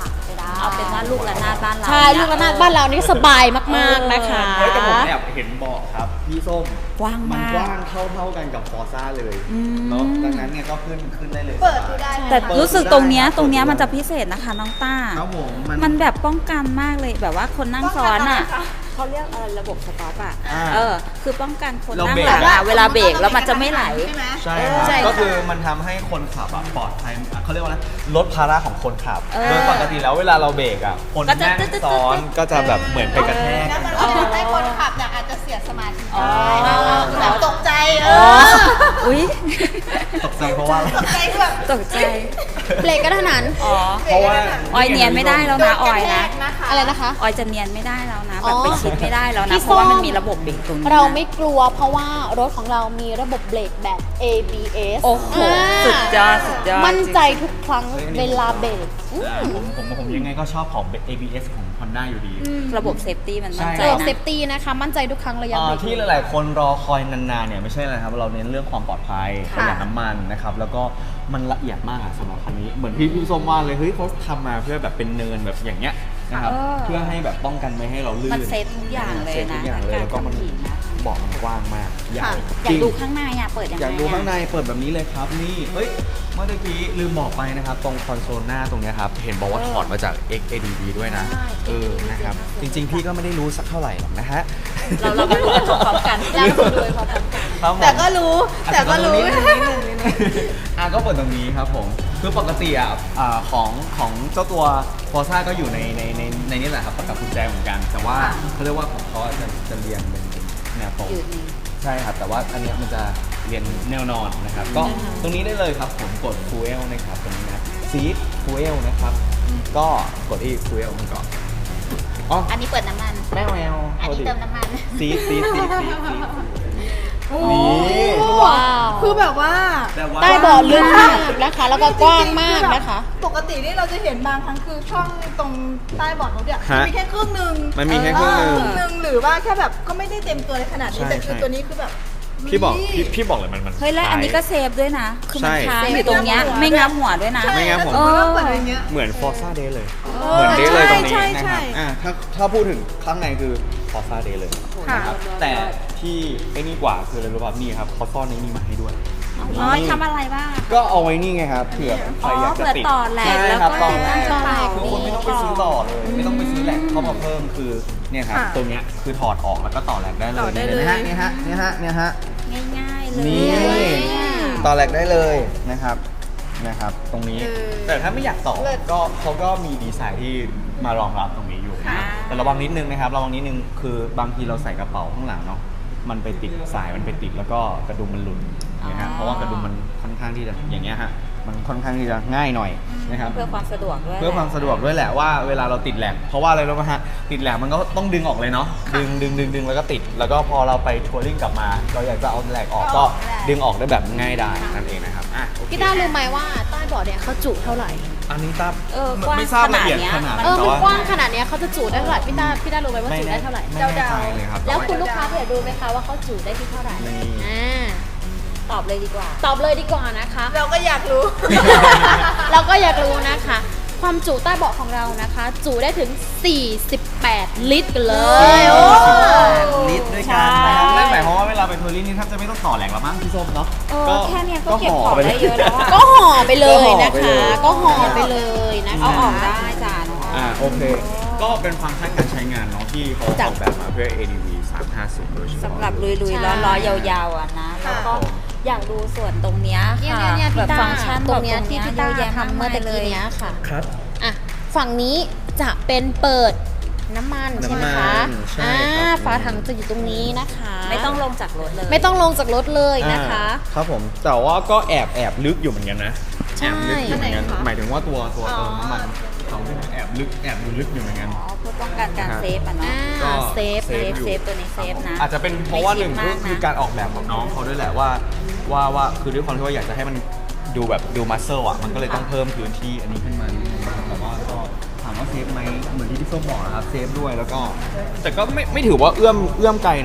[SPEAKER 3] ขาไปได้
[SPEAKER 4] เอาเป็นว่าลูกระนาดบ้านเรา
[SPEAKER 3] ใช่ลูกระนาดบ้านเรานี่สบายมากๆนะคะ
[SPEAKER 1] เฮ้ยแต่ผมแอบเห็นเบาะครับพี่ส้ม
[SPEAKER 4] กว้าง
[SPEAKER 1] มัน
[SPEAKER 4] มาก
[SPEAKER 1] กว้างเท่าเท่าๆกันกับฟอร์ซ่าเลยเนาะดังนั้นเนี่ยก็ขึ้นขึ้นได้เลย
[SPEAKER 2] เปิดดูได้
[SPEAKER 4] แต่รู้สึกตรงเนี้ยตรงเนี้ยมันจะพิเศษนะคะน้องต้า
[SPEAKER 1] ครับผมมัน
[SPEAKER 4] มันแบบป้องกันมากเลยแบบว่าคนนั่งซ้อนอ่ะ
[SPEAKER 2] ป้องกันอะไรคะ
[SPEAKER 4] เขาเรียกอะไรระบบสต็อปอ่ะ
[SPEAKER 1] อ่า
[SPEAKER 4] เออคือป้องกันคน
[SPEAKER 1] เรา
[SPEAKER 4] นั่ง
[SPEAKER 1] เบรก
[SPEAKER 4] หลังอ่ะเวลาเบรกแล้วมันจะไม่ไหล
[SPEAKER 2] ใช่ไหม
[SPEAKER 1] ใช่ครับ
[SPEAKER 3] ใช่ค่ะ
[SPEAKER 1] ก็คือมันทำให้คนขับอะปลอดภัยเขาเรียกว่าอะไรลดภาระของคนขับ
[SPEAKER 4] เออ
[SPEAKER 1] โดยปกติแล้วเวลาเราเบรกอะคน
[SPEAKER 4] ก็จะ
[SPEAKER 1] นั่ง
[SPEAKER 4] ตึ๊ดๆๆ
[SPEAKER 1] ซ้อนก็จะแบบเหมือนไปกระแทก
[SPEAKER 2] แล้ว
[SPEAKER 1] กัน
[SPEAKER 2] มันก็จะทำให้คนขับเนี่ยอาจจะเสียสมาธิ
[SPEAKER 4] อ๋อ
[SPEAKER 2] ได้แบบตกใจเอ
[SPEAKER 4] อ๋อ
[SPEAKER 2] อ
[SPEAKER 4] อุ้ย
[SPEAKER 1] ตกใจเพราะว่าอะไร
[SPEAKER 2] ตกใจคือแบบ
[SPEAKER 4] ตกใจ
[SPEAKER 3] เบรกกระทันหัน
[SPEAKER 4] อ๋อ
[SPEAKER 1] เพราะว่า
[SPEAKER 4] ออยเนียนไม่ได้แล้วนะออยนะ
[SPEAKER 2] นะคะ
[SPEAKER 3] อะไรนะคะ
[SPEAKER 4] ออยจะเนียนไม่ได้แล้วนะ
[SPEAKER 3] อ๋
[SPEAKER 4] แบบ
[SPEAKER 3] อ
[SPEAKER 4] ไปชิดไม่ได้แล้ว
[SPEAKER 3] พี่
[SPEAKER 4] นะเพราะว่า
[SPEAKER 3] ส้ม
[SPEAKER 4] มันมีระบบเบรกตรงนี้นะ
[SPEAKER 3] เราไม่กลัวเพราะว่ารถของเรามีระบบเบรกแบบ เอ บี เอส
[SPEAKER 4] โอ้โห
[SPEAKER 3] อ่า
[SPEAKER 4] สุดยอดสุดยอด
[SPEAKER 3] มั่นใจทุกครั้งเวลาเบรกอื
[SPEAKER 1] อ่าม ผมผมผมยังไงก็ชอบของ เอ บี เอส ของ Honda อยู่ดี
[SPEAKER 4] ระบบเซฟตี้มันมั่นใจ
[SPEAKER 3] เออ
[SPEAKER 4] นะ
[SPEAKER 3] เซฟตี้นะคะ มั่นใจทุกครั้งระยะ
[SPEAKER 1] อ่า
[SPEAKER 3] เบรก
[SPEAKER 1] ที่หลาย ๆ คนรอคอยนาน ๆ เนี่ยไม่ใช่อะไรครับ เราเน้นเรื่องความปลอดภัยประหยัดน้ำมันนะครับ แล้วก็มันละเอียดมากอะสำหรับคันนี้ เหมือนพี่พี่ส้มว่าเลย เฮ้ยเขาทำมาเพื่อแบบเป็นเนินแบบอย่างเงี้ยนะครับ
[SPEAKER 4] เออ
[SPEAKER 1] เพื่อให้แบบป้องกันไม่ให้เราลื่น
[SPEAKER 4] มันเซฟทุกอย่างเลย
[SPEAKER 1] ซฟทุ
[SPEAKER 4] นะ
[SPEAKER 1] กอย่างเลย
[SPEAKER 4] การ
[SPEAKER 1] แล้วก็มัน
[SPEAKER 4] ขับขี่นะ
[SPEAKER 1] เบาะมันกว้างมากใหญ่
[SPEAKER 3] ค่ะ
[SPEAKER 4] อยากดูข้างในอ่ะเปิดยังไง
[SPEAKER 1] อยากดูข้างใน
[SPEAKER 4] อะ
[SPEAKER 1] เปิดแบบนี้เลยครับ นี่ เฮ้ย เมื่อกี้ลืมบอกไปนะครับ ตรงคอนโซลหน้าตรงเนี้ยครับ เห็นบอกว่าถอดมาจาก เอ็กซ์ เอ ดี บี ด้วยนะ
[SPEAKER 3] ใช่
[SPEAKER 1] เออ นะครับ จริง ๆ พี่ก็ไม่ได้รู้สักเท่าไหร่หรอกนะฮะ
[SPEAKER 4] เราเรามาดูกันพร้อมๆกัน
[SPEAKER 3] แล้วคุณดูพร้อมกัน
[SPEAKER 1] ครับผม
[SPEAKER 2] แต่ก็รู้แต่ก็รู้
[SPEAKER 1] นิดนึงนิดนึงนิดนึงอ่ะก็เปิดตรงนี้ครับผม คือปกติอ่ะอ่าของของเจ้าตัว Forza ก็อยู่ในในในในนี้แหละครับประกับกุญแจเหมือนกัน แต่ว่าเขาเรียกว่าของเขาจะจะเรียงเป็นแนวตรง
[SPEAKER 4] อยู่นี่
[SPEAKER 1] ใช่ครับ แต่ว่าอันเนี้ยมันจะเรียนแนวนอนนะครับ ก็ตรงนี้ได้เลยครับผมกด Fuel นะครับตรงนี้นะ Seat Fuel นะครับ ก็กดที่ Fuel มันก่อนอ๋อ
[SPEAKER 4] อันนี้เปิดน้ำมัน
[SPEAKER 1] แม่แมว
[SPEAKER 4] อันนี้เติมน้ำมัน
[SPEAKER 1] ซีดซีดซีดซีดซีด
[SPEAKER 2] โอ้
[SPEAKER 1] นี่
[SPEAKER 3] ว้าว
[SPEAKER 2] คือแบบว่า
[SPEAKER 1] แต่ว่า
[SPEAKER 3] ใต้เบาะลึกมากนะคะ แล้วก็กว้างมากนะคะ
[SPEAKER 2] ปกตินี่เราจะเห็นบางครั้งคือช่องตรงใต้เบาะรถเนี่ย
[SPEAKER 1] ฮะ
[SPEAKER 2] มีแค่ครึ่งหนึ่ง
[SPEAKER 1] มันมีแค่ครึ่งหนึ่ง
[SPEAKER 2] ครึ่งหนึ่งหรือว่าแค่แบบก็ไม่ได้เต็มตัวในขนาดนี้
[SPEAKER 1] ใช่
[SPEAKER 2] แต่คือ
[SPEAKER 1] ใช่
[SPEAKER 2] ตัวนี้คือแบบ
[SPEAKER 1] พี่บอก
[SPEAKER 2] ลุย
[SPEAKER 1] พี่พี่บอกเลยมันมัน
[SPEAKER 4] เฮ้ยแล้วอันนี้ก็เซฟด้วยนะ คือมัน
[SPEAKER 1] ใช่
[SPEAKER 4] ค้าง
[SPEAKER 2] เซฟ
[SPEAKER 4] อยู่ตรงเนี้ย
[SPEAKER 2] ไม่
[SPEAKER 4] ไม่
[SPEAKER 2] งั
[SPEAKER 4] งั
[SPEAKER 2] บบ หั
[SPEAKER 4] หั
[SPEAKER 2] ว
[SPEAKER 4] วด้วยนะ
[SPEAKER 1] ไม่งั้นผม
[SPEAKER 2] ใช่ถ้าเปิดอย่างเงี้ย
[SPEAKER 1] เหมือน Forza Day เลย
[SPEAKER 2] เออ
[SPEAKER 1] เหมือน Day เลยตรงนี้
[SPEAKER 2] ใช่
[SPEAKER 1] นะ
[SPEAKER 2] ใช่
[SPEAKER 1] ครับอ่าถ้าถ้าพูดถึงข้างในคือ Forza Day เลยนะครับ แต่ที่ไอ้นี่กว่าคืออะไรรู้ป่ะนี่ครับเขาซ่อนในนี่มาให้ด้วย
[SPEAKER 4] อ๋อทำอะไรบ้างอะ
[SPEAKER 1] ก็เอาไว้นี่ไงครับเผื่อใครอยากจะติด
[SPEAKER 4] อ๋อเผื่อต่อแหลก
[SPEAKER 1] ใช่
[SPEAKER 4] แล้ว
[SPEAKER 1] ครับ
[SPEAKER 4] ก็
[SPEAKER 1] ต่อแหลก
[SPEAKER 4] ต่อแหลก
[SPEAKER 1] คือคุณไม่ต้องไปซื้อต่อเลย ไม่ต้องไปซื้อแหลกเข้ามาเพิ่มคือเนี่ยครับ
[SPEAKER 2] ค่ะ
[SPEAKER 1] ตรงเนี้ยคือถอดออกแล้วก็ต่อแหลกได้เลย
[SPEAKER 2] ต่อได้เลย
[SPEAKER 1] นะฮะเนี่ยฮะเนี่ยฮะเนี่ยฮะ
[SPEAKER 4] ง่ายๆเลย
[SPEAKER 1] นี่
[SPEAKER 4] อะ
[SPEAKER 1] ต่อแหลกได้เลยนะครับนะครับ ตรงนี้
[SPEAKER 2] เออ
[SPEAKER 1] แต่ถ้าไม่อยากต่อ
[SPEAKER 2] เลิศ
[SPEAKER 1] ก็เขาก็มีดีไซน์ที่มารองรับตรงนี้อยู่นะ
[SPEAKER 4] ค่ะ
[SPEAKER 1] แต่ระวังนิดนึงนะครับระวังนิดนึงคือบางทีเราใส่กระเป๋าข้างหลังเนาะมันไปติดสายมันไปติดแล้วก็กระดุมมันหลุดนะฮะเพราะว่ากระดุมมันค่อนข้างที่จะอย่างเงี้ยฮะมันค่อนข้างที่จะง่ายหน่อยนะครับ
[SPEAKER 4] เพื่อความสะดวกด้วย
[SPEAKER 1] เพื่อความสะดวกด้วยแหละว่าเวลาเราติดแหลกเพราะว่าอะไรรู้ไหมฮะติดแหลกมันก็ต้องดึงออกเลยเนาะดึงดึงดึงดึงแล้วก็ติด แล้วก็พอเราไปทัวริ่งกลับมา เราอยากจะเอาแหลกออกก็ดึงออกได้แบบง่ายดายนั่นเองนะครับอ่ะโอเค
[SPEAKER 3] พี่ต้ารู้ไหมว่าใต้เบาะเนี่ยเขาจุเท่าไหร่
[SPEAKER 1] อันนี้ทราบ
[SPEAKER 4] เออกว้าง
[SPEAKER 1] ไม่ทราบ
[SPEAKER 4] ขนา
[SPEAKER 1] ละ
[SPEAKER 4] ด
[SPEAKER 1] เอียด
[SPEAKER 4] เนี้ย
[SPEAKER 1] ขนาด
[SPEAKER 3] เออ
[SPEAKER 1] แต่
[SPEAKER 3] มัน
[SPEAKER 1] ว่าก
[SPEAKER 3] ว้างขนาดเนี้ยเขาจะจุได้เท่าไหร่พี่ต้าพี่ต้ารู้ไหมว่า
[SPEAKER 1] ไม่
[SPEAKER 3] จุ
[SPEAKER 1] แน่
[SPEAKER 3] ได้เท่าไหร่
[SPEAKER 1] ไม่แน่ใจเลยครับ
[SPEAKER 3] แล้วคุณลูกค้าอยากดูไหมคะว่าเขาจุได้ที่เท่าไหร่
[SPEAKER 1] นี่
[SPEAKER 3] อ่า
[SPEAKER 4] ตอบเลยดีกว่า
[SPEAKER 3] ตอบเลยดีกว่านะคะ
[SPEAKER 2] เราก็อยากรู้
[SPEAKER 3] เราก็อยากรู้นะคะ ความจุใต้เบาะของเรานะคะ จุได้ถึง สี่สิบแปด ลิตรกันเลยโอ้
[SPEAKER 1] ลิตรด้วยกันนะครับนั่นหมายความว่าเวลาไปทัวริ่งนี่แทบจะไม่ต้องต่อแหลกแล้วมั้งพี่ส้มเนาะ
[SPEAKER 4] เออแค่เนี้ยก็เก็บ
[SPEAKER 1] ห่
[SPEAKER 4] ของ
[SPEAKER 1] ป
[SPEAKER 4] ได้เยอะแล้วอะ
[SPEAKER 3] ก็ห่อไปเลยนะ
[SPEAKER 1] ก็
[SPEAKER 3] คะ
[SPEAKER 1] ห่
[SPEAKER 3] ก็
[SPEAKER 1] อ
[SPEAKER 3] ห่อ
[SPEAKER 1] ไป
[SPEAKER 3] ไป
[SPEAKER 1] เล
[SPEAKER 3] เลย ยนะคะ
[SPEAKER 4] เอาออกได้จ้าน้อง
[SPEAKER 1] อ่าโอเค ก็เป็นฟังก์ชันการใช้งานเนาะที่เขาออกแบบมาเพื่อ เอ ดี วี สามห้าศูนย์โดยเฉพาะ
[SPEAKER 4] สำหรับลุย
[SPEAKER 3] ใช่
[SPEAKER 4] ๆล้อๆยาวๆอ่ะนะ แล้วก็อยากดูส่วนตรงเนี้ย
[SPEAKER 3] เนี่ย
[SPEAKER 4] ค่ะ
[SPEAKER 3] เนี่ยเนี่ย
[SPEAKER 4] แบ
[SPEAKER 3] พี่
[SPEAKER 4] บ
[SPEAKER 3] ต้า
[SPEAKER 4] ฟังก์ชัน
[SPEAKER 3] ตรงเนี้ย
[SPEAKER 4] แบบ
[SPEAKER 3] ที่พี่ต้า
[SPEAKER 4] เยอะแยะ
[SPEAKER 3] ทำเมื่อตะกี้เนี้ยค่ะ
[SPEAKER 1] ครับ
[SPEAKER 3] อ่ะฝั่งนี้จะเป็นเปิดน้ำมันใช่ไหม
[SPEAKER 1] น้ำมั
[SPEAKER 3] คะ
[SPEAKER 1] นใช่
[SPEAKER 3] อ่า
[SPEAKER 1] ครับ
[SPEAKER 3] ฝาถังจะอยู่ตรงนี้นะคะ
[SPEAKER 4] ไม่ต้องลงจากรถเลย
[SPEAKER 3] ไม่ต้องลงจากรถเลยนะคะ
[SPEAKER 1] อ่าครับผมแต่ว่าก็แอบแอบลึกอยู่เหมือนกันนะ
[SPEAKER 3] ใช่
[SPEAKER 1] แอบลึกอยู่เหมือนกัน
[SPEAKER 2] อันไหนคะ
[SPEAKER 1] หมายถึงว่าตัวตัว
[SPEAKER 2] อ๋อ
[SPEAKER 1] เติมน้ำมันเขาแอบลึกแอบดูลึกอยู่เหมือนกัน
[SPEAKER 4] อ๋อเพื่อป้องกันการ
[SPEAKER 1] นะครับ
[SPEAKER 4] เซฟอ่ะเนาะ
[SPEAKER 3] อ่า
[SPEAKER 1] ก็
[SPEAKER 3] เซฟ
[SPEAKER 1] เซ
[SPEAKER 4] เซ
[SPEAKER 1] ฟ
[SPEAKER 4] ฟ
[SPEAKER 1] อยู่
[SPEAKER 4] เซฟตัวนี้เซฟนะ
[SPEAKER 1] อาจจะเป็นเพราะว่าหนึ่ง
[SPEAKER 4] ไม่
[SPEAKER 1] ก็
[SPEAKER 4] คิดมากนะ
[SPEAKER 1] คือการออกแบบของน้องเขาด้วยแหละว่าว่าว่าคือด้วยความที่ว่าอยากจะให้มันดูแบบดูมัสเซลอ่ะมันก็เลยต้องเพิ่มพื้นที่อันนี้ขึ้นมาแต่ว่าก็ถามว่าเซฟไหมเหมือนที่พี่ส้มบอกนะครับเซฟด้วยแล้วก็ แต่ก็ไม่ไม่ถือว่าเอื้อมเอื้อมไกลนะ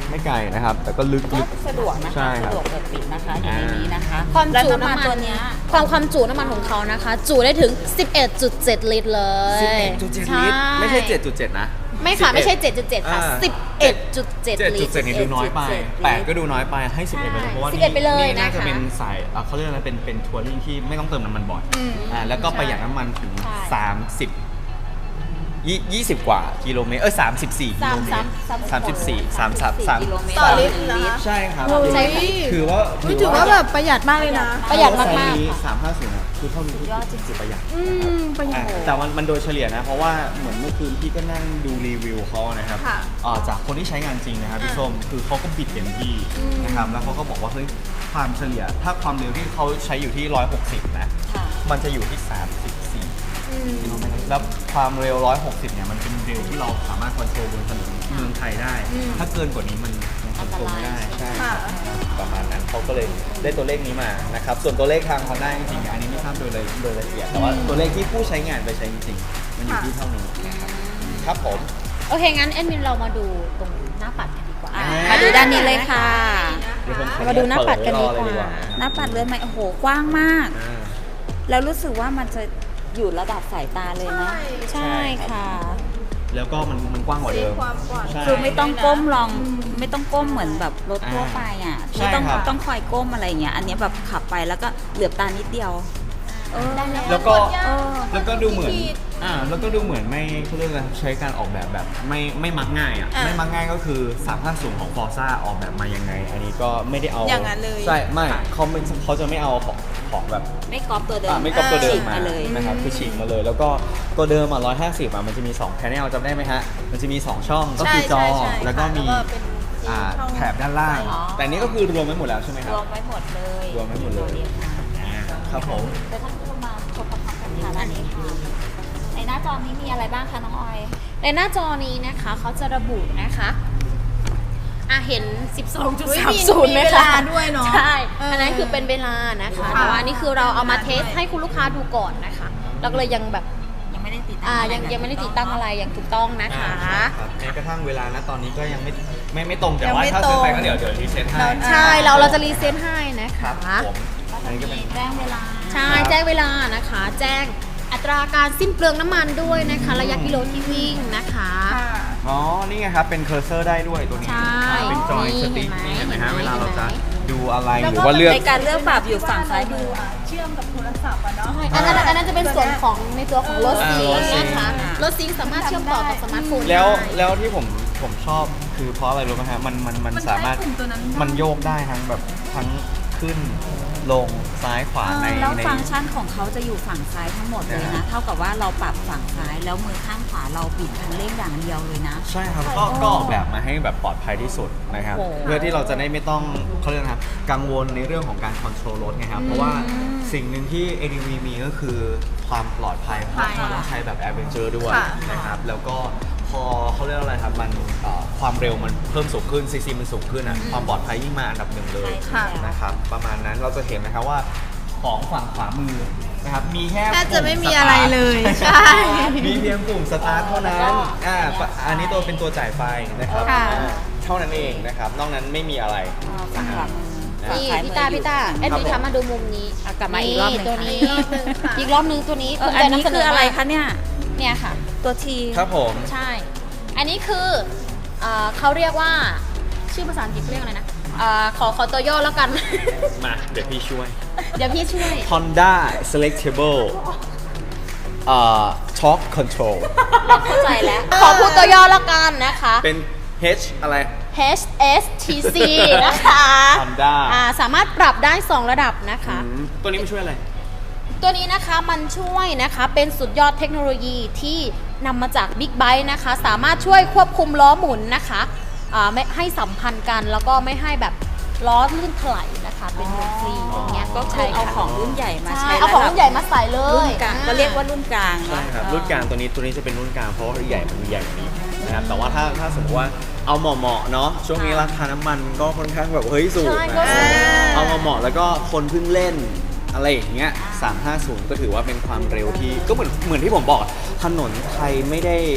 [SPEAKER 1] ไม่ไกลนะครับ แต่ก็ลึก
[SPEAKER 4] ก็
[SPEAKER 1] ลึก
[SPEAKER 4] สะดวกนะ
[SPEAKER 1] ใช่
[SPEAKER 4] คะ
[SPEAKER 1] ครับ
[SPEAKER 4] สะดวกเปิดปิดนะคะอยู่ในนี้นะคะ
[SPEAKER 3] ความ
[SPEAKER 4] แล้ว
[SPEAKER 3] จุ
[SPEAKER 4] น้ำมัน
[SPEAKER 3] น้ำมัน
[SPEAKER 4] ตัวเนี้ย
[SPEAKER 3] ความความจุน้ำมันของเขานะคะ จุได้ถึง สิบเอ็ดจุดเจ็ด ลิตรเลย
[SPEAKER 1] สิบเอ็ดจุดเจ็ดลิตรไม่ใช่ เจ็ดจุดเจ็ด นะ
[SPEAKER 3] ไม่ค่ะ ไม่ใช่
[SPEAKER 1] สิบ
[SPEAKER 3] เจ็ดจุดเจ็ด ค่ะ
[SPEAKER 1] อ่า
[SPEAKER 3] สิบเอ็ดจุดเจ็ด
[SPEAKER 1] เจ็ด
[SPEAKER 3] ลิ
[SPEAKER 1] จุ
[SPEAKER 3] ต
[SPEAKER 1] ด
[SPEAKER 3] ร
[SPEAKER 1] เจ็ดนี่ดูน้อยไป
[SPEAKER 4] เจ็ดจุดเจ็ด
[SPEAKER 1] แปดก็ดูน้อยไปให้สิบเอ็ดไปเลยเพราะว่า
[SPEAKER 3] สิบเอ็ดไปเลย
[SPEAKER 1] นี่น่าจะ
[SPEAKER 3] นะคะ
[SPEAKER 1] เป็นสายเอ่อเขาเรียกอะไรเป็นเป็นทัวริงที่ไม่ต้องเติมน้ำมันบ่อยอ่าแล้วก็ประหยัดน้ำมันถึง
[SPEAKER 3] ใช่
[SPEAKER 1] สามสิบยี่ยี่สิบกว่ากิโลเมตรเออสามสิบสี่กิโลเมตรสามสิบสี่สามสามสาม
[SPEAKER 4] กิโลเมตร
[SPEAKER 2] ต่อลิตรเหรอ
[SPEAKER 1] ใช่ครับ
[SPEAKER 3] ใช่ค่ะ
[SPEAKER 1] ถือว่า
[SPEAKER 2] อุ๊ยถือว่าแบบประหยัดมากเลยนะ
[SPEAKER 3] ประหยัดมาก
[SPEAKER 1] ไซ
[SPEAKER 3] ๆ
[SPEAKER 1] ส์นี้
[SPEAKER 3] ค่ะ
[SPEAKER 1] สามห้าศูนย์คือเท่านี้ยอดจริงๆประหยัด
[SPEAKER 2] อืมประหยัด
[SPEAKER 1] อ่ะแต่มันมันโดยเฉลี่ยนะ เพราะว่าเหมือนเมื่อคืนพี่ก็นั่งดูรีวิวเขานะครับ
[SPEAKER 2] ค่ะ
[SPEAKER 1] อ่าจากคนที่ใช้งานจริงนะครับพี่ส้มคือเขาก็บิดเต็มที่นะครับแล้วเขาก็บอกว่าเฮ้ยความเฉลี่ย ถ้าความเร็วที่เขาใช้อยู่ที่หนึ่งร้อยหกสิบนะ
[SPEAKER 4] ค่ะ
[SPEAKER 1] มันจะอยู่ที่ สามสิบสี่กิโลเมตรแล้วความเร็วหนึ่งร้อยหกสิบเนี่ยมันเป็นเร็วที่เราสามารถคอนโทรลบนถนนเมืองไทยได้ ถ้าเกินกว่านี้มันมันคอนโทรลไม่ได้ใช่ครับประมาณนั้นเขาก็เลยได้ตัวเลขนี้มานะครับส่วนตัวเลขทาง Honda จริงๆอันนี้ไม่ทราบโดยละโดยละเอียดแต่ว่าตัวเลขที่ผู้ใช้งานไปใช้จริงๆมันอยู่ที่เท่านี้นะครับครับผม
[SPEAKER 3] โอเค งั้นแอดมินเรามาดูตรงหน้าปัดกันดีกว่า
[SPEAKER 4] อ่ะมาดูด้านนี้เลยค่ะ
[SPEAKER 1] เดี๋ยวผมขอ
[SPEAKER 3] มาดูหน้าปัดกันดีกว่า
[SPEAKER 1] เปิไเลย
[SPEAKER 4] หน้าปัดเรือนใหม่โอ้โหกว้างมาก
[SPEAKER 1] อ่า
[SPEAKER 4] แล้วรู้สึกว่ามันจะอยู่ระดับสายตาเลยนะ
[SPEAKER 3] ใช่ค่ะ
[SPEAKER 1] แล้วก็มันมันกว้างกว่าเดิม
[SPEAKER 2] ความกว้าง
[SPEAKER 1] ใช่
[SPEAKER 4] คือไม่ต้องก้มลอง ไม่ต้องก้มเหมือนแบบรถทั่วไปอ่ะ
[SPEAKER 1] ใช่
[SPEAKER 4] ไม่ต้อง
[SPEAKER 1] ครับ
[SPEAKER 4] ต้องคอยก้มอะไรเงี้ย อันเนี้ยแบบขับไปแล้วก็เหลือบตานิดเดียวเออ
[SPEAKER 1] แล้วก็
[SPEAKER 4] เออ
[SPEAKER 1] แล้วก็ดูเหมือนอ่าแล้วก็ดูเหมือนไม่เขาเรียกอะไรใช้การออกแบบแบบไม่ไม่มักง่ายอ่ะไม่มักง่ายก็คือสามห้าศูนย์ของ Forza ออกแบบมายังไง อันนี้ก็ไม่ได้เอา
[SPEAKER 2] อย่างนั้นเลย
[SPEAKER 1] ใช่ไม่เขาไม่เขาจะไม่เอาของของแบบ
[SPEAKER 4] ไม่ก๊อปตัวเดิม
[SPEAKER 1] อ่าไม่ก๊อปตัวเดิม
[SPEAKER 4] ฉีก
[SPEAKER 1] มา
[SPEAKER 4] เลย
[SPEAKER 1] นะครับคือฉีกมาเลย แล้วก็ตัวเดิมอ่ะร้อยห้าสิบอ่ะมันจะมี2 panel จำได้ไหมฮะมันจะมี 2 ช่องก็คือจอ
[SPEAKER 2] ใช่ใช่ใช่
[SPEAKER 1] แล้วก็มี
[SPEAKER 2] แล้วก็เป็น
[SPEAKER 1] อ่า
[SPEAKER 2] ช่อง
[SPEAKER 1] แถบด้านล่าง
[SPEAKER 4] อ๋อ
[SPEAKER 1] แต่อันนี้ก็คือรวมไว้หมดแล้วใช่ไหมค
[SPEAKER 4] ร
[SPEAKER 1] รับ
[SPEAKER 4] วมไว้หมดเลย
[SPEAKER 1] รวมไว้หมดเลย อ่าครับผม
[SPEAKER 4] แต่ท่านผู้ชมมาชมพร้อมๆกันค่ะด้านนี้ค่ะ ในหน้าจอนี้มีอะไรบ้างคะน้องออย
[SPEAKER 3] ในหน้าจอนี้นะคะเขาจะระบุนะคะอ่ะเห็น สิบสองจุด
[SPEAKER 2] อุ๊ย
[SPEAKER 3] สาม
[SPEAKER 2] มี
[SPEAKER 3] ศูนย์
[SPEAKER 2] มี
[SPEAKER 3] ไหม
[SPEAKER 2] เว
[SPEAKER 3] คะ
[SPEAKER 2] ลาด้วยเนาะ
[SPEAKER 3] ใช่
[SPEAKER 2] เอออั
[SPEAKER 3] อันนั้นคือเป็นเวลานะคะ
[SPEAKER 2] ค่ะ
[SPEAKER 3] แต่ว่านี่คือเราเอามาเทส
[SPEAKER 2] ด้วย
[SPEAKER 3] ให้คุณลูกค้าดูก่อนนะคะเราก็เลยยังแบบ
[SPEAKER 4] ยังไม่ได้ติดตั้ง
[SPEAKER 3] อ่า
[SPEAKER 4] อะไร
[SPEAKER 3] ยัง
[SPEAKER 4] แบบ
[SPEAKER 3] ยังไม่ได้ติดตั้งอะไรอย่างถูกต้องนะคะ
[SPEAKER 1] อ่าครับแม้กระทั่งเวลานะตอนนี้ก็ยังไม่ไม่ไม่ตรงแต่
[SPEAKER 2] ยัง
[SPEAKER 1] ว่า
[SPEAKER 2] ไม่
[SPEAKER 1] ถ้าซื้อไป
[SPEAKER 2] ตรง
[SPEAKER 1] ก็เดี๋ยวเดี๋ยวรีเซ็ตให้
[SPEAKER 2] เรา
[SPEAKER 3] ใช่เราเราจะรีเซ็ตให้นะ
[SPEAKER 1] ค
[SPEAKER 3] คะ
[SPEAKER 1] รับผม
[SPEAKER 4] ก็
[SPEAKER 1] อัน
[SPEAKER 4] จะ
[SPEAKER 1] นี้ก็เป็
[SPEAKER 4] มี
[SPEAKER 1] น
[SPEAKER 4] แจ้งเวลา
[SPEAKER 3] ใช่
[SPEAKER 1] ครับ
[SPEAKER 3] แจ้งเวลานะคะ แจ้งอัตราการสิ้นเปลืองน้ำมันด้วยนะคะ ระยะกิโลที่วิ่งนะคะ
[SPEAKER 2] ค่ะ
[SPEAKER 1] อ๋อ นี่ไงครับ เป็นเคอร์เซอร์ได้ด้วยตัวนี้
[SPEAKER 3] ใช่
[SPEAKER 1] อ่าเป็นจอย
[SPEAKER 3] นี่
[SPEAKER 1] สติ๊ก
[SPEAKER 3] เห็นไหม
[SPEAKER 1] นี่เห็นไหมฮะ
[SPEAKER 3] เห็นไหม
[SPEAKER 1] เวลาเราจะ
[SPEAKER 3] เห็นไหม
[SPEAKER 1] ดูอะไร
[SPEAKER 2] แล้ว
[SPEAKER 1] ห
[SPEAKER 2] ก็
[SPEAKER 1] รือว่าเลือก
[SPEAKER 4] ในการเลือกปรับอยู่ฝั่งซ้ายมือ
[SPEAKER 2] เชื่อมกับโทรศัพท์อะเนาะ
[SPEAKER 3] อันนั้นอันนั้นจะเป็นส่วนของในตัวของรถซิง
[SPEAKER 1] อ่ารถซิง
[SPEAKER 3] นะคะ
[SPEAKER 4] อ่าร
[SPEAKER 3] ถซิงสามารถเชื่อมต่อกับสมาร์ทโฟน
[SPEAKER 1] แล้ว
[SPEAKER 3] ได้
[SPEAKER 1] แล้วที่ผมผมชอบคือเพราะอะไรรู้ไหมฮะ มันมันมัน
[SPEAKER 2] มันใช้
[SPEAKER 1] สามารถ
[SPEAKER 2] ปุ่มตัวนั้นได้
[SPEAKER 1] มันโยกได้ทั้งแบบทั้งขึ้นลงซ้ายขวาใน
[SPEAKER 4] แล้ว
[SPEAKER 1] ใน
[SPEAKER 4] ฟังก์ชันของเขาจะอยู่ฝั่งซ้ายทั้งหมดเลย
[SPEAKER 1] นะ
[SPEAKER 4] นะ
[SPEAKER 1] ฮะ
[SPEAKER 4] เท่ากับว่าเราปรับฝั่งซ้ายแล้วมือข้างขวาเราบิดคันเร่งอย่างเดียวเลยนะ
[SPEAKER 1] ใช่ครับก็ก็ออกแบบมาให้แบบปลอดภัยที่สุดนะครับ
[SPEAKER 4] โอ้โห
[SPEAKER 1] เพื่อที่เราจะได้ไม่ต้องเขาเรียกนะครับกังวลในเรื่องของการคอนโทรลรถไงครับเพราะว่าสิ่งหนึ่งที่ เอ ดี วี มีก็คือความปลอดภัยเพราะมันต้องใช้แบบแอดเวนเจอร์ด้วย
[SPEAKER 2] ค่ะ
[SPEAKER 1] นะครับแล้วก็พอเขาเรียกอะไรครับมันเอ่อความเร็วมันเพิ่มสูงขึ้นซีซีมันสูงขึ้นอ่ะความปลอดภัยยิ่งมาอันดับหนึ่งเลย
[SPEAKER 2] ค่ะ
[SPEAKER 1] นะครับประมาณนั้นเราจะเห็นนะครับว่าของฝั่งขวามือนะครับมีแค่
[SPEAKER 2] แทบจะไม่มี
[SPEAKER 1] ปุ่
[SPEAKER 2] อะไร
[SPEAKER 1] สตาท
[SPEAKER 2] เลย
[SPEAKER 1] ใช่
[SPEAKER 2] ใช่
[SPEAKER 1] มีเพียงปุ่มสตาร์ทเท่านั้นอ่าอันนี้ตัวเป็นตัวจ่ายไฟนะครับ
[SPEAKER 2] ค่ะ
[SPEAKER 1] อ่าเท่านั้นเองนะครับ นอกนั้นไม่มีอะไร
[SPEAKER 4] อ่าฝั่งขวามือ
[SPEAKER 1] นะ
[SPEAKER 4] ฝั่ง
[SPEAKER 3] นี่
[SPEAKER 4] ซ้ายมื
[SPEAKER 3] พี่
[SPEAKER 4] อ
[SPEAKER 3] ตา
[SPEAKER 4] อยู่
[SPEAKER 3] พี่ตาแอดมิน
[SPEAKER 1] ครับผม
[SPEAKER 3] คะมาดูมุมนี้
[SPEAKER 4] อ่ะกลับมาอีกรอบหนึ่ง
[SPEAKER 3] ตัว
[SPEAKER 4] ค่ะ
[SPEAKER 3] นี้
[SPEAKER 2] อีกรอบหนึ่งค่ะ
[SPEAKER 3] อีกรอบหนึงตัวนี้
[SPEAKER 4] เออ
[SPEAKER 3] ภูมิ
[SPEAKER 4] อั
[SPEAKER 3] ใจ
[SPEAKER 4] นนี้
[SPEAKER 3] นำเสน
[SPEAKER 4] คือ
[SPEAKER 3] อ
[SPEAKER 4] อะไร
[SPEAKER 3] มาก
[SPEAKER 4] คะเนี่ย
[SPEAKER 3] เนี่ยค่ะ
[SPEAKER 4] ตัวที
[SPEAKER 1] ครับผม
[SPEAKER 3] ใช่ อันนี้คือเอ่อเขาเรียกว่าชื่อภาษาอังกฤษเขาเรียกอะไรนะเอ่อขอขอตัวย่อแล้วกัน
[SPEAKER 1] มาเดี๋ยวพี่ช่วย
[SPEAKER 3] เดี๋ยวพี่ช่วย
[SPEAKER 1] Honda Selectable เอ่อ Torque Control
[SPEAKER 3] เราเข้าใจแล้ว ขอพูดตัวย่อแล้วกันนะคะ
[SPEAKER 1] เป็น H อะไร
[SPEAKER 3] H S T C นะคะ
[SPEAKER 1] Honda
[SPEAKER 3] อ่าสามารถปรับได้สองระดับนะคะ
[SPEAKER 1] อืมตัวนี้มันช่วยอะไร
[SPEAKER 3] ตัวนี้นะคะมันช่วยนะคะเป็นสุดยอดเทคโนโลยีที่นำมาจาก Big Byte นะคะ สามารถช่วยควบคุมล้อหมุนนะคะอ่าไม่ให้สัมพันธ์กันแล้วก็ไม่ให้แบบล้อลื่นถลายนะคะ เป็นวงฟรีอย่างเงี้ย
[SPEAKER 4] ก็คื
[SPEAKER 3] ใช่
[SPEAKER 4] อเอา
[SPEAKER 3] ค่ะ
[SPEAKER 4] ของรุ่นใหญ่มา
[SPEAKER 3] ใช่
[SPEAKER 4] ใช้
[SPEAKER 3] เอาของรุ่นใหญ่มาใส่เล
[SPEAKER 4] รุ่
[SPEAKER 3] ย
[SPEAKER 4] นกลาง
[SPEAKER 3] อ่
[SPEAKER 4] ก็เรียกว่ารุ่นกลาง
[SPEAKER 1] ใช่
[SPEAKER 4] นะครับ
[SPEAKER 1] รุ่นกลางตัวนี้ตัวนี้จะเป็นรุ่นกลางเพราะว่าใหญ่มันมีใหญ่กว่านี้นะครับแต่ว่าถ้าถ้าสมมติว่าเอาเหมาะๆเนาะช่วงนี้ราคาน้ำมันก็ค่อนข้างแบบเฮ้ยสูง
[SPEAKER 3] ใช่ก็
[SPEAKER 1] นะ
[SPEAKER 3] สูง
[SPEAKER 1] เอาเหมาะๆแล้วก็คนเพิ่งเล่นอะไรอย่างเงี้ยสามห้าศูนย์ก็ถือว่าเป็นความเร็วที่ก็เหมือนเหมือนที่ผมบอกอะถนนไทยไม่ได้ผม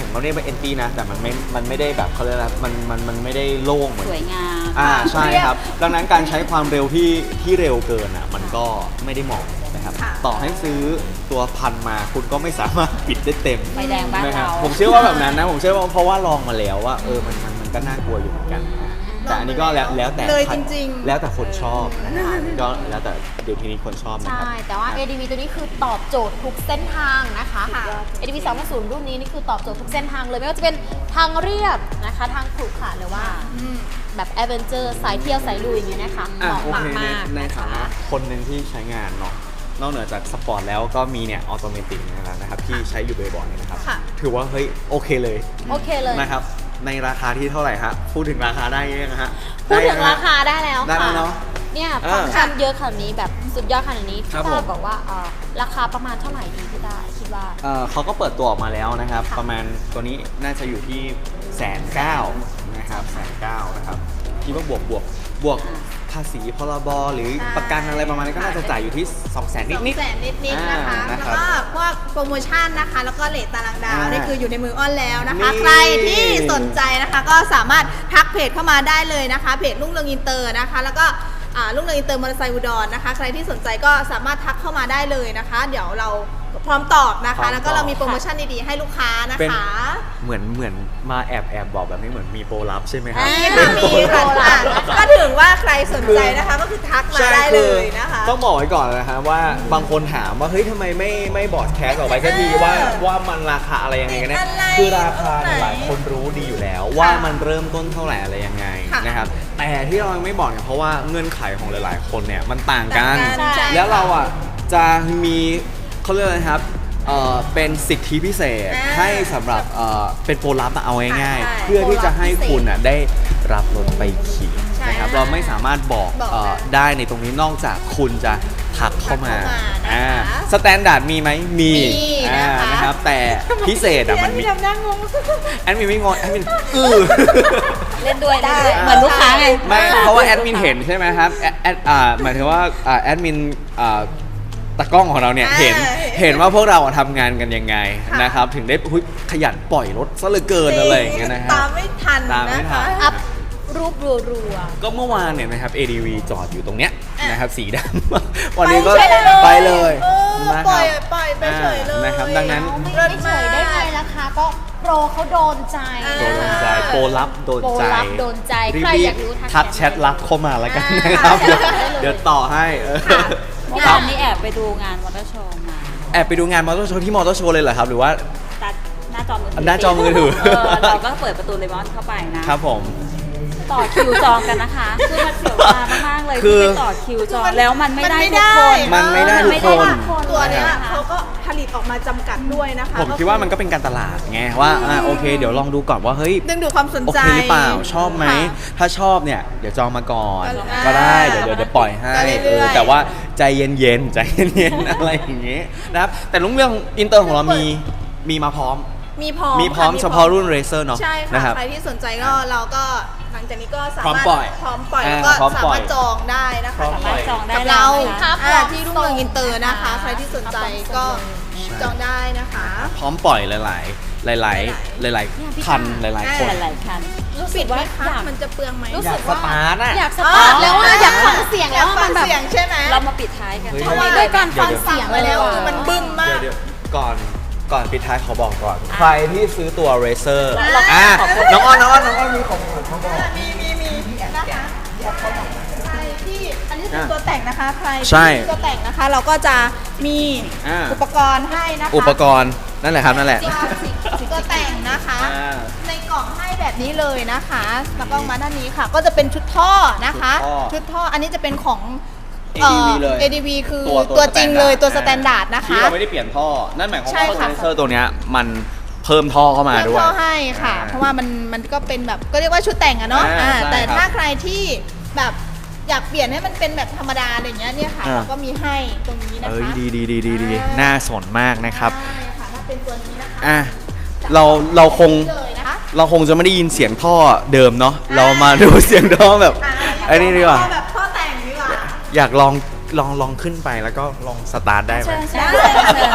[SPEAKER 1] เราเรียกว่า empty นะแต่มันไม่มันไม่ได้แบบเขาเรียกอะไรมันมันมันไม่ได้โล่งเหมือน
[SPEAKER 4] สวยงาม
[SPEAKER 1] อ่าใช่ครับดังนั้นการใช้ความเร็วที่ที่เร็วเกินอ่ะมันก็ไม่ได้เหมาะนะครับ
[SPEAKER 2] ค่ะ
[SPEAKER 1] ต่อให้ซื้อตัวพันมาคุณก็ไม่สามารถปิดได้เต็ม
[SPEAKER 4] ไฟแดงบ้าน
[SPEAKER 1] นะครับ
[SPEAKER 4] เรา
[SPEAKER 1] ผมเชื่อว่าแบบนั้นนะผมเชื่อว่าเพราะว่าลองมาแล้วว่าเออมันมันมันก็น่ากลัวอยู่เหมือนกันนะแต่อันนี้ก็แล้วแล้วแต่
[SPEAKER 2] เลยจริงๆ
[SPEAKER 1] แล้วแต่คนชอบนะครับก็แล้วแต่เดี๋ยวทีนี้คนชอบนะครับ
[SPEAKER 3] ใช่ แต่ว่า เอ ดี วี ตัวนี้คือตอบโจทย์ทุกเส้นทางนะคะ
[SPEAKER 2] ค่ะ
[SPEAKER 3] เอ ดี วี สองพันรุ่นนี้นี่คือตอบโจทย์ทุกเส้นทางเลย ไม่ว่าจะเป็นทางเรียบนะคะ ทางขรุขระหรือว่า
[SPEAKER 2] อืม
[SPEAKER 3] แบบแอดเวนเจอร์สายเที่ยวสายลุยอย่างเงี้ยนะคะเห
[SPEAKER 1] อ่ะ
[SPEAKER 3] มาะ
[SPEAKER 1] โอเค
[SPEAKER 3] มาก
[SPEAKER 1] ใน
[SPEAKER 3] ๆ
[SPEAKER 1] ใน
[SPEAKER 3] นะ
[SPEAKER 1] ฐา
[SPEAKER 3] คะ
[SPEAKER 1] นะคนหนึ่งที่ใช้งานเนาะนอกเหนือจากสปอร์ตแล้วก็มีเนี่ยออโตเมติกนะครับที่ใช้อยู่บ่อยๆนะครับ
[SPEAKER 2] ค่ะ
[SPEAKER 1] ถือว่าเฮ้ยโอเคเลย
[SPEAKER 3] โอเคเลย
[SPEAKER 1] นะครับในราคาที่เท่าไหร่ฮะพูดถึงราคาได้ยังฮะ
[SPEAKER 3] พูดถึง
[SPEAKER 1] ไยังฮะ
[SPEAKER 3] ราคาได้แล้ว
[SPEAKER 1] ได้
[SPEAKER 3] ค่ะ
[SPEAKER 1] แล้วเนอะ
[SPEAKER 3] เนี่ย
[SPEAKER 1] เออ
[SPEAKER 3] ฟังก์ชันเยอะขนาดนี้แบบสุดยอดขนาดนี้
[SPEAKER 1] ครับ
[SPEAKER 3] พี่
[SPEAKER 1] ผ
[SPEAKER 3] ต้าม บอกว่าเอ่อราคาประมาณเท่าไหร่ดีพี่ต้าคิดว่า
[SPEAKER 1] เอ่อเขาก็เปิดตัวออกมาแล้วนะครับ
[SPEAKER 3] ค่ะ
[SPEAKER 1] ประมาณตัวนี้น่าจะอยู่ที่แสนเก้านะครับแสนเก้านะครับคิดว่าบวกบวกบวกภาษีพรบหรือ
[SPEAKER 2] ใช่
[SPEAKER 1] ประกันอะไรประมาณนี้ก็น่าจะจ่ายอยู่ที่สองแสนนิดนิด
[SPEAKER 2] สองแสนนิดๆนะคะ
[SPEAKER 1] อ่า
[SPEAKER 2] แล้
[SPEAKER 1] นะ
[SPEAKER 2] ว
[SPEAKER 1] ครับ
[SPEAKER 2] ก็พวกโปรโมชั่นนะคะ แล้วก็เลทตารางดาว
[SPEAKER 1] อ่า
[SPEAKER 2] นี่คืออยู่ในมืออ้อนแล้วนะคะ
[SPEAKER 1] นี่
[SPEAKER 2] ใครที่สนใจนะคะ ก็สามารถทักเพจเข้ามาได้เลยนะคะ เพจรุ่งเรืองอินเตอร์นะคะ แล้วก็อ่ารุ่งเรืองอินเตอร์มอเตอร์ไซค์อุดรนะคะ ใครที่สนใจก็สามารถทักเข้ามาได้เลยนะคะ เดี๋ยวเราพร้อมตอบนะ
[SPEAKER 1] พร้อ
[SPEAKER 2] คะ
[SPEAKER 1] มตอบ
[SPEAKER 2] แล้วก็เรามีโปรโมชั่นดีๆให้ลูกค้านะ
[SPEAKER 1] เป็น
[SPEAKER 2] คะ
[SPEAKER 1] เหมือนเหมือนมาแอบแอบบอกแบบนี้เหมือนมีโปรลับใช่ไหมครับ
[SPEAKER 2] มีค่ะมีค่ะอ่ะก็ถึงว่าใครสนใจนะคะ ก็คือทักมา
[SPEAKER 1] ใช่
[SPEAKER 2] ได้เลยนะคะ
[SPEAKER 1] ต้องบอกไว้ก่อนนะฮะว่าบางคนถามว่าเฮ้ยทำไมไม่ไม่บอดแคสต์ออกไปสักทีว่าว่ามันราคาอะไรยังไงกันแน่
[SPEAKER 2] อะไร
[SPEAKER 1] คือราคา
[SPEAKER 2] ไหน
[SPEAKER 1] หลายคนรู้ดีอยู่แล้ว ว่ามันเริ่มต้นเท่าไหร่อะไรยังไง
[SPEAKER 2] ค่ะ
[SPEAKER 1] นะครับแต่ที่เรายังไม่บอกเนี่ยเพราะว่าเงื่อนไขของหลาย ๆ คนเนี่ยมันต่างกัน
[SPEAKER 2] ต่างกันใช่
[SPEAKER 1] แล้วเราอ่ะจะมีเขาเรียกอะไรครับเอ่อเป็นสิทธิพิเศษ
[SPEAKER 2] อ่า
[SPEAKER 1] ให้สำหรับเอ่อเป็นโปรลับอะเอาง่าย
[SPEAKER 2] ใช่
[SPEAKER 1] ๆ เพื่อที่จะให้คุณอ่ะได้รับรถไปขี่
[SPEAKER 2] ใช่
[SPEAKER 1] นะครับ
[SPEAKER 2] ค่ะ
[SPEAKER 1] เราไม่สามารถบอก
[SPEAKER 2] บอก
[SPEAKER 1] เอ่อ
[SPEAKER 2] ได้
[SPEAKER 1] ได้ในตรงนี้นอกจากคุณจะทักเข้ามา
[SPEAKER 2] ทักเข้ามานะคะ
[SPEAKER 1] อ่าสแตนดาร์ดมีไหมมี
[SPEAKER 2] มี
[SPEAKER 1] อ่า
[SPEAKER 2] นะคะ
[SPEAKER 1] นะครับแต่พิเศษอ่ะมันมี
[SPEAKER 2] พี่ทำหน้างง
[SPEAKER 1] แอดมินไม่งอนแอดมินอื้อ
[SPEAKER 4] เล่นด้วย
[SPEAKER 2] ได้
[SPEAKER 4] เล่นด้วยเหมือนลูกค้าไง
[SPEAKER 1] ไม่เพราะว่าแอดมินเห็นใช่ไหมครับแอดแอดอ่าหมายถึงว่าอ่าแอดมินอ่าตากล้องของเราเนี่ย
[SPEAKER 2] อ่า
[SPEAKER 1] เห็นเห็นว่าพวกเราอะทำงานกันยังไง
[SPEAKER 2] ค่ะ
[SPEAKER 1] นะครับถึงได้หุ้ยขยันปล่อยรถซะเหลือเกินอะไรอย่างเงี้ยนะฮะ
[SPEAKER 2] ตามไม่ทัน
[SPEAKER 1] ตามไม่
[SPEAKER 2] นะ
[SPEAKER 1] ทั
[SPEAKER 2] คะ
[SPEAKER 1] น
[SPEAKER 3] อัพรูปรัว
[SPEAKER 1] ก็เมื่อวานเนี่ยนะครับ เอ ดี วี จอดอยู่ตรงเนี้ย
[SPEAKER 2] อ่ะ
[SPEAKER 1] นะครับสีดำ วันนี้ก็
[SPEAKER 2] ไป
[SPEAKER 1] ไปเลย
[SPEAKER 2] เออ
[SPEAKER 1] นะ
[SPEAKER 2] ป
[SPEAKER 1] ค
[SPEAKER 2] ล่
[SPEAKER 1] รั
[SPEAKER 2] อย
[SPEAKER 1] บ
[SPEAKER 2] ปล่อยไปเฉยเลย
[SPEAKER 1] อ่านะครับดังนั้น
[SPEAKER 3] ๆไม่ไม่เฉยได้ไงราคาก็โปรเขาโดนใจ
[SPEAKER 2] อ่า
[SPEAKER 1] โดนใจโปรลับโดนใจ
[SPEAKER 3] โปรลับโดนใจ
[SPEAKER 1] รีบ
[SPEAKER 3] ใคร
[SPEAKER 1] ๆ
[SPEAKER 3] อยากรู้ทัก
[SPEAKER 1] ทัก
[SPEAKER 3] แช
[SPEAKER 1] แช
[SPEAKER 3] ท
[SPEAKER 1] ทลับเข้ามาแล้วกัน
[SPEAKER 2] อ่าน
[SPEAKER 1] นะครับ
[SPEAKER 2] ค่ะ
[SPEAKER 1] เดี๋ยว
[SPEAKER 3] ได้เลย
[SPEAKER 1] เดี๋ยวต่อให้เออ
[SPEAKER 2] ค่ะ
[SPEAKER 4] เมื่อ
[SPEAKER 1] ครั
[SPEAKER 4] วา
[SPEAKER 1] บ
[SPEAKER 4] นนี้แอบไปดูงานมอเตอร์โชว์มา
[SPEAKER 1] แอบไปดูงานมอเตอร์โชว์ที่มอเตอร์โชว์เลยเหรอครับ หรือว่า
[SPEAKER 4] ตัดหน้าจอมือถือ
[SPEAKER 1] หน้าจอมือถือ
[SPEAKER 4] เออเราก็เปิดประตูเลมอนเข้าไปนะครับ
[SPEAKER 1] ผม
[SPEAKER 4] ต่อคิวจองกันนะคะคือมันเสียวตามากๆเลย
[SPEAKER 1] คือ
[SPEAKER 4] ที่ไปต่อคิวจองแล้วมันไม่ได้
[SPEAKER 2] มันไม่
[SPEAKER 4] ทุกคน
[SPEAKER 2] ได้
[SPEAKER 1] มันไม่ได้ทุกคน
[SPEAKER 2] ตัวเนี้ย
[SPEAKER 4] นะคะ
[SPEAKER 2] เขาก็ผลิตออกมาจำกัดด้วยนะคะ
[SPEAKER 1] ผมคิดว่ามันก็เป็นการตลาดไงว่าอ่าโอเค เดี๋ยวลองดูก่อนว่าเฮ้ย
[SPEAKER 2] ดึงดูดความสน
[SPEAKER 1] โอ
[SPEAKER 2] ใจ
[SPEAKER 1] เคหรือเปล่าชอบไหม
[SPEAKER 2] ค่ะ
[SPEAKER 1] ถ้าชอบเนี่ยเดี๋ยวจองมาก่อน
[SPEAKER 2] ก็
[SPEAKER 1] ก็ได้
[SPEAKER 2] อ่า
[SPEAKER 1] เดี๋ยวเดี๋ยวเดี๋ยวปล่อยให้
[SPEAKER 2] ก็เรื่อยๆ
[SPEAKER 1] เออแต่ว่าใจเย็นๆใจเย็นๆ อะไรอย่างงี้นะครับแต่ลุงเรื่องอินเตอร์ของเรามีมีมาพร้อม
[SPEAKER 2] มีพร้อม
[SPEAKER 1] มีพร้อม
[SPEAKER 2] ค่ะ
[SPEAKER 1] เฉพาะรุ่นเรเซอร์เนาะ
[SPEAKER 2] ใช่
[SPEAKER 1] นะ
[SPEAKER 2] ค่ะ
[SPEAKER 1] ครับ
[SPEAKER 2] ใครที่สนใจก็เราก็หลังจากนี้ก็สา
[SPEAKER 1] พร้อม
[SPEAKER 2] มารถ
[SPEAKER 1] ปล่อย
[SPEAKER 2] พร้อมปล่อย
[SPEAKER 1] อ่า
[SPEAKER 2] แล้วก็
[SPEAKER 1] พร้อม
[SPEAKER 2] สา
[SPEAKER 1] ปล่อ
[SPEAKER 2] มาย รถจองได้นะคะ
[SPEAKER 1] พร้อมปล่อย
[SPEAKER 4] จองได้
[SPEAKER 2] กับ
[SPEAKER 4] แล้
[SPEAKER 2] เรา
[SPEAKER 4] วนะคะ
[SPEAKER 2] อ่าที่รุ่งเรืองอินเตอร์นะคะ ใครที่สนใจก็จองได้นะคะ
[SPEAKER 1] พร้อมปล่อยหลายๆ หลายๆ หลาย ๆ คันหลาย ๆ คน
[SPEAKER 4] หลายๆคัน
[SPEAKER 2] รู้สึกว่ามันจะเปลืองไหม
[SPEAKER 3] รู้
[SPEAKER 1] อยา
[SPEAKER 3] สึ
[SPEAKER 1] ก
[SPEAKER 3] ก
[SPEAKER 1] ส
[SPEAKER 3] ว่า
[SPEAKER 1] ตาร์ทอะ
[SPEAKER 3] อยากสตาร์ทแล้วอะอยากฟังเสียงแล้วอะ
[SPEAKER 2] ฟั
[SPEAKER 3] มันแบบ
[SPEAKER 2] เสียงใช่ไหม
[SPEAKER 4] เรามาปิดท้ายกัน
[SPEAKER 1] เฮ้ย
[SPEAKER 3] เพราะว่าด้วยการฟังเสียง
[SPEAKER 2] ไปแล้ว
[SPEAKER 3] เลย
[SPEAKER 2] มันบึ้มมาก
[SPEAKER 1] เดี๋ยวๆก่อนก่อนปิดท้ายขอบอกก่อน ใครที่ซื้อตัวเรเซอร์
[SPEAKER 2] อ่ะ
[SPEAKER 1] อ่ะน้องอ้อนน้องอ้อนน้องอ้อนมีของขวัญเขาบอก
[SPEAKER 2] มีมีมีนะคะใครที่อันนี้เป็น
[SPEAKER 1] อ่ะ
[SPEAKER 2] ตัวแต่งนะคะ ใคร
[SPEAKER 1] ใช่
[SPEAKER 2] ที่ตัวแต่งนะคะ เราก็จะมี
[SPEAKER 1] อ่า
[SPEAKER 2] อุปกรณ์ให้นะคะ
[SPEAKER 1] อุปกรณ์นั่นแหละครับนั่นแหละ
[SPEAKER 2] ตัวแต่งนะคะ
[SPEAKER 1] อ่า
[SPEAKER 2] ในกล่องให้แบบนี้เลยนะคะแล้วก็มาด้านนี้ค่ะ ก็จะเป็นชุดท่อนะคะ
[SPEAKER 1] ชุดท่อ
[SPEAKER 2] ชุดท่ออันนี้จะเป็นของ
[SPEAKER 1] เอ ดี วี เลย
[SPEAKER 2] เอ ดี วี คือตัวจริงเลยตัวสแตนดาร์ดนะคะ
[SPEAKER 1] ที่เราไม่ได้เปลี่ยนท่อ นั่นหมายความ
[SPEAKER 2] ใช่
[SPEAKER 1] ว่า
[SPEAKER 2] ค่ะ
[SPEAKER 1] เรเซอร์ตัวเนี้ยมันเพิ่มท่อเข้ามา
[SPEAKER 2] เพิ่ม
[SPEAKER 1] ด้วย
[SPEAKER 2] ท่อให้ค่ะ
[SPEAKER 1] อ่า
[SPEAKER 2] เพราะว่ามันมันก็เป็นแบบก็เรียกว่าชุดแต่งอะเนาะ
[SPEAKER 1] อ่า
[SPEAKER 2] อ่า
[SPEAKER 1] ใช่
[SPEAKER 2] แต่
[SPEAKER 1] ครับ
[SPEAKER 2] ถ้าใครที่แบบอยากเปลี่ยนให้มันเป็นแบบธรรมดาอะไรเงี้ยเนี่ยค่ะ
[SPEAKER 1] อ่า
[SPEAKER 2] เราก็มีให้ตรงนี้นะคะ
[SPEAKER 1] เอ้ยดีดีดีดีดี
[SPEAKER 2] อ่า
[SPEAKER 1] น่าสนมากนะครับ
[SPEAKER 2] ใช่ค่ะถ้าเป็นตัวนี้นะคะ
[SPEAKER 1] อ่ะเราเราคง
[SPEAKER 2] เลยนะคะ
[SPEAKER 1] เราคงจะไม่ได้ยินเสียงท่อเดิมเนาะเรามาดูเสียงท่อแบบ
[SPEAKER 2] อ่า
[SPEAKER 1] ไอ้นี่ดีกว่า
[SPEAKER 2] ท่อแบบท่อแต่งดีกว่า
[SPEAKER 1] อยากลองลองลองขึ้นไปแล้วก็ลองสตาร์ทได้ไหม
[SPEAKER 4] เชิญเชิ
[SPEAKER 2] ได้
[SPEAKER 4] ญเชิญ
[SPEAKER 2] ค่ะ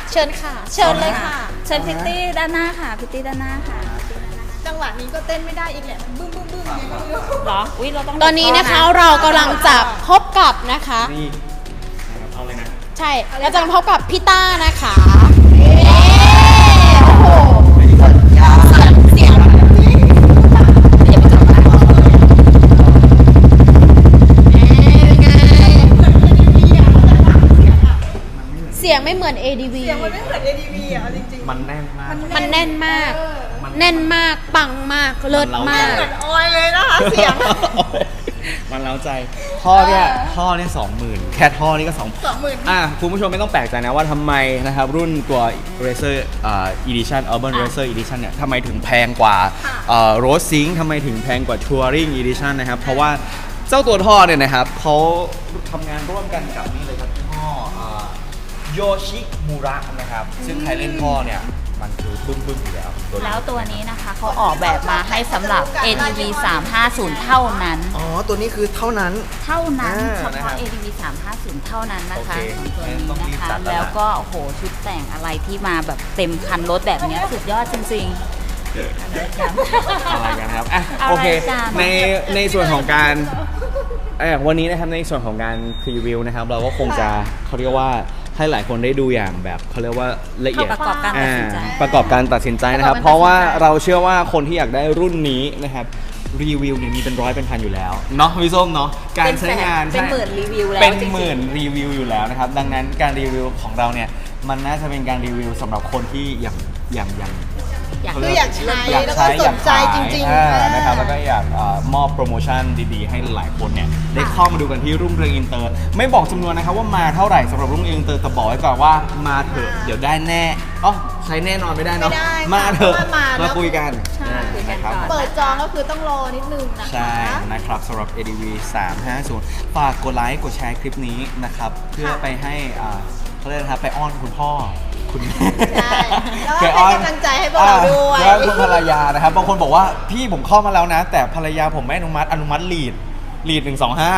[SPEAKER 3] เชิญค่ะ เชิญเลยค่ะ
[SPEAKER 4] เชิญพิตตี้ด้านหน้าค่ะพิตตี้ด้านหน้าค่ะ
[SPEAKER 2] จังหวะนี้ก็เต้นไม่ได้อีกแหละบึ้มบึ้มบึ้มอย่างเงี้ยก็ไม่รู้
[SPEAKER 4] เหรออุ้ยเราต้อง
[SPEAKER 3] ตอนนี้นะคะเรากำลังจะพบกับนะคะ
[SPEAKER 1] นี่เอาเลยนะ
[SPEAKER 3] ใช่เราจะมาพบกับพี่ต้านะคะโอ้โหเสียงเสียงไม่เหมือน เอ ดี วี
[SPEAKER 2] เสียงมันไม่เหมือน เอ ดี วี อ่ะเอาจริงๆ
[SPEAKER 1] มันแน่นมาก
[SPEAKER 3] มันแน่นมาก
[SPEAKER 2] เออ
[SPEAKER 3] แน่นมาก ปังมาก เลิศมาก
[SPEAKER 2] เหมือนออยเลยนะคะเสียง
[SPEAKER 1] มันเล้าใจท่อเนี่ยท่อเนี่ยสองหมื่นแค่ท่อนี่ก็สอง
[SPEAKER 2] สองหมื่น
[SPEAKER 1] อ่ะคุณผู้ชมไม่ต้องแปลกใจนะว่าทำไมนะครับรุ่นตัว Racer อ่า Edition Urban
[SPEAKER 3] อ่ะ
[SPEAKER 1] Racer Edition เนี่ยทำไมถึงแพงกว่าเอ่อ Road Sync ทำไมถึงแพงกว่า Touring Edition นะครับ เพราะว่าเจ้าตัวท่อเนี่ยนะครับเขาทำงานร่วมกันกับนี่เลยครับยี่ห้อโยชิมูระนะครับ ซึ่งใครเล่นท่อเนี่ยมันคือบึ้มบึ้มๆอยู่แล้วตัวนี้
[SPEAKER 4] แล้วตัวนี้นะคะเขาออกแบบมาให้สำหรับ เอ ดี วี สามห้าศูนย์ เท่านั้น
[SPEAKER 1] อ๋อ ตัวนี้คือเท่านั้น
[SPEAKER 4] เท่านั้น
[SPEAKER 1] อ่า
[SPEAKER 4] เฉ
[SPEAKER 1] นะครั
[SPEAKER 4] พาะ
[SPEAKER 1] บ
[SPEAKER 4] เอ ดี วี สามห้าศูนย์ เท่านั้นนะคะ
[SPEAKER 1] โอเค
[SPEAKER 4] ของตัวนี้
[SPEAKER 1] ต้องรี
[SPEAKER 4] นะ
[SPEAKER 1] บ
[SPEAKER 4] คะ
[SPEAKER 1] จัดแล้ว
[SPEAKER 4] แล้วก็โอ้โหชุดแต่งอะไรที่มาแบบเต็มคันรถแบบเนี้ยสุดยอดจริงๆอะไรกัน
[SPEAKER 1] อะไรกันครับอ่ะ
[SPEAKER 4] อะไร
[SPEAKER 1] โอเค
[SPEAKER 4] กัน
[SPEAKER 1] ในในส่วนของการเอ่อวันนี้นะครับในส่วนของการพรีวิวนะครับ เราก็คงจะเขาเรียกว่าให้หลายคนได้ดูอย่างแบบเขาเรียกว่าละเอียด
[SPEAKER 4] ประกอบการตัดสินใจ
[SPEAKER 1] อ่าประกอบการตัดสินใจนะครับ
[SPEAKER 3] ประกอบการตัดสินใจ
[SPEAKER 1] เพราะว่าเราเชื่อว่าคนที่อยากได้รุ่นนี้นะครับรีวิวเนี่ยมีเป็นร้อยเป็นพันอยู่แล้วเนาะพี่ส้มเนาะการใช้งาน
[SPEAKER 4] เป็นหมื่นรีวิวแล้ว
[SPEAKER 1] เป็น
[SPEAKER 4] จริงๆ
[SPEAKER 1] หมื่นรีวิวอยู่แล้วนะครับ ดังนั้นการรีวิวของเราเนี่ยมันน่าจะเป็นการรีวิวสำหรับคนที่อย่างอย่างอย่าง
[SPEAKER 4] อยาก
[SPEAKER 2] คืออยากใช้
[SPEAKER 1] อยาก
[SPEAKER 2] แล้วก็
[SPEAKER 1] ใช้
[SPEAKER 2] ส
[SPEAKER 1] อยาน ก
[SPEAKER 2] ใจ
[SPEAKER 1] ขาย
[SPEAKER 2] จริงๆ
[SPEAKER 1] อ่า
[SPEAKER 2] อ่า
[SPEAKER 1] นะครับแล้วก็อยากเอ่อมอบโปรโมชั่นดีๆ ให้หลายคนเนี่ยได้เข้ามาดูกันที่รุ่งเรืองอินเตอร์ ไม่บอกจำนวนนะครับว่ามาเท่าไหร่สำหรับรุ่งเรืองอินเตอร์แต่บอกไว้ก่อนว่ามาเถอะเดี๋ยวได้แน่อ๋อใช้แน่นอนไม่ได้เนาะ
[SPEAKER 2] ไม่ได้ค่ะ
[SPEAKER 1] มาเถอะ
[SPEAKER 2] เพราะว่ามาแล้ว
[SPEAKER 1] มาคุยกัน
[SPEAKER 4] ใช่คุยกันก่อน
[SPEAKER 1] นะครับ
[SPEAKER 2] เปิดจองก็คือต้องรอนิดนึงนะคะ
[SPEAKER 1] ใช่นะครับสำหรับ เอ ดี วี สามห้าศูนย์ ฝากกดไลค์กดแชร์คลิปนี้นะครับเพื่อไปให้อ่าเขาเรียกนะครับไปอ้อนคุณพ่อคุณแม่
[SPEAKER 2] ใช่แล้วก็ให้กำลังใจให้พวกเราด้วย
[SPEAKER 1] อ่าแล้วคุณภรรยานะครับบางคนบอกว่าพี่ผมเข้ามาแล้วนะ แต่ภรรยาผมไม่อนุมัติอนุมัติลีดลีดหนึ่งสองห้า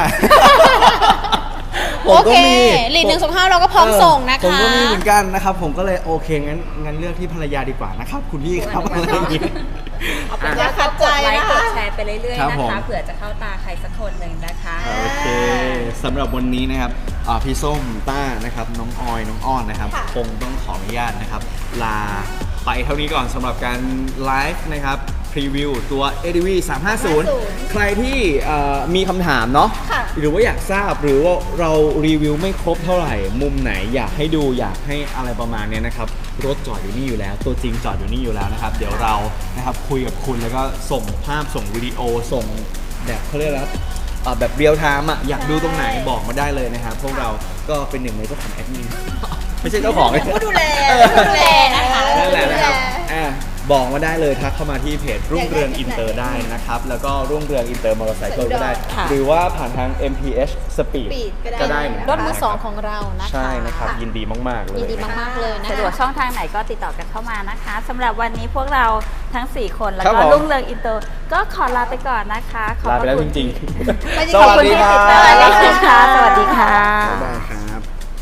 [SPEAKER 3] โอเคลีดหนึ่งสองห้าเราก็พร้อมส่งนะคะ
[SPEAKER 1] ผมก็มีเหมือนกันนะครับ ผมก็เลยโอเคงั้นงั้นเลือกที่ภรรยาดีกว่านะครับ คุณพี่ครับอะไรอย่างงี้
[SPEAKER 4] เอาเป็น
[SPEAKER 2] อย่า
[SPEAKER 4] ว่า
[SPEAKER 2] ขั
[SPEAKER 4] ก็
[SPEAKER 2] ด
[SPEAKER 4] ก
[SPEAKER 2] ใจ
[SPEAKER 4] ดไลค์
[SPEAKER 2] นะคะ
[SPEAKER 4] กดแชร์ไปเรื่อย
[SPEAKER 1] ครับ
[SPEAKER 4] ๆ
[SPEAKER 1] ผ
[SPEAKER 4] นะ
[SPEAKER 1] ม
[SPEAKER 4] คะเผื่อจะเข้าตาใครสักคนหนึ่งนะคะ
[SPEAKER 1] โอเคสำหรับวันนี้นะครับอ่าพี่ส้มต้านะครับน้องออยน้องอ้อนนะครับ
[SPEAKER 2] ค่ะ
[SPEAKER 1] คงต้องขออนุญาตนะครับ ลาไปเท่านี้ก่อนสำหรับการไลฟ์นะครับพรีวิวตัว เอ ดี วี สามห้าศูนย์ ใครที่เอ่อมีคำถามเนาะ
[SPEAKER 2] ค่ะ
[SPEAKER 1] หรือว่าอยากทราบหรือว่าเรารีวิวไม่ครบเท่าไหร่ มุมไหนอยากให้ดูอยากให้อะไรประมาณเนี้ยนะครับรถจอดอยู่นี่อยู่แล้ว ตัวจริงจอดอยู่นี่อยู่แล้วนะครับ เดี๋ยวเรานะครับคุยกับคุณแล้วก็ส่งภาพส่งวิดีโอส่งแบบเขาเรียกอะไรครับอ่าแบบเรียลไทม์อ่ะอยากดูตรงไหนบอกมาได้เลยนะครับ พวกเราก็เป็นหนึ่งในเจ้าของแอดมิน ไม่ใช่เจ้าของ
[SPEAKER 2] ผู้ดูแล
[SPEAKER 1] เออ
[SPEAKER 2] ผู้ดูแลนะคะ
[SPEAKER 1] นั่นแหละนะครับ
[SPEAKER 2] ผู้ดูแล
[SPEAKER 1] อ่ะบอกมาได้เลยทักเข้ามาที่เพจรุ่งเรืองอินเตอร์ได้นะครับ แล้วก็รุ่งเรืองอินเตอร์มอเตอร์ไซค์ก็ได้
[SPEAKER 3] ค่ะ
[SPEAKER 1] หรือว่าผ่านทาง เอ็ม พี เอช Speed
[SPEAKER 2] Speed ก็ได้
[SPEAKER 1] ก็ได้เหมือนกัน
[SPEAKER 3] รถมือสอง
[SPEAKER 1] นะค
[SPEAKER 3] ข
[SPEAKER 1] รับ
[SPEAKER 3] องเรานะคะ
[SPEAKER 1] ใช่นะครับ ยินดีมาก ๆ เลย
[SPEAKER 3] ยินดีมากๆเลยนะคะ
[SPEAKER 4] สะดวกช่องทางไหนก็ติดต่อกันเข้ามานะคะสำหรับวันนี้พวกเราทั้ง สี่ คนแล้ว
[SPEAKER 1] ครับ
[SPEAKER 4] ก็
[SPEAKER 1] ผม
[SPEAKER 4] รุ่งเรืองอินเตอร์ก็ขอลาไปก่อนนะคะขอบ
[SPEAKER 1] ลา
[SPEAKER 4] พ
[SPEAKER 1] ไประ แล้ว
[SPEAKER 4] คุ
[SPEAKER 1] จ
[SPEAKER 4] ณ
[SPEAKER 1] ริง
[SPEAKER 2] ไม่
[SPEAKER 1] ๆ
[SPEAKER 2] ได้
[SPEAKER 1] ส
[SPEAKER 2] ขอบ
[SPEAKER 1] วัส
[SPEAKER 2] คุณ
[SPEAKER 1] ดี
[SPEAKER 2] ที่
[SPEAKER 1] ค
[SPEAKER 2] ติ
[SPEAKER 1] รั
[SPEAKER 2] ด
[SPEAKER 1] บ
[SPEAKER 2] ตาม
[SPEAKER 4] ค่ะสวัสดีค่ะ
[SPEAKER 1] บ๊ายบายครับ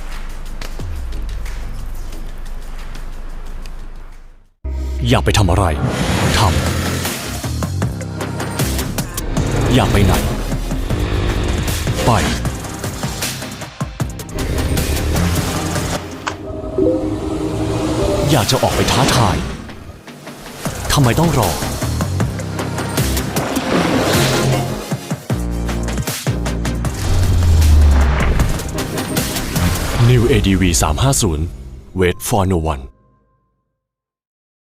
[SPEAKER 5] อยากไปทำอะไร ทำ อยากไปไหน ไป อยากจะออกไปท้าทาย ทำไมต้องรอ New เอ ดี วี สามห้าศูนย์ Wait for no one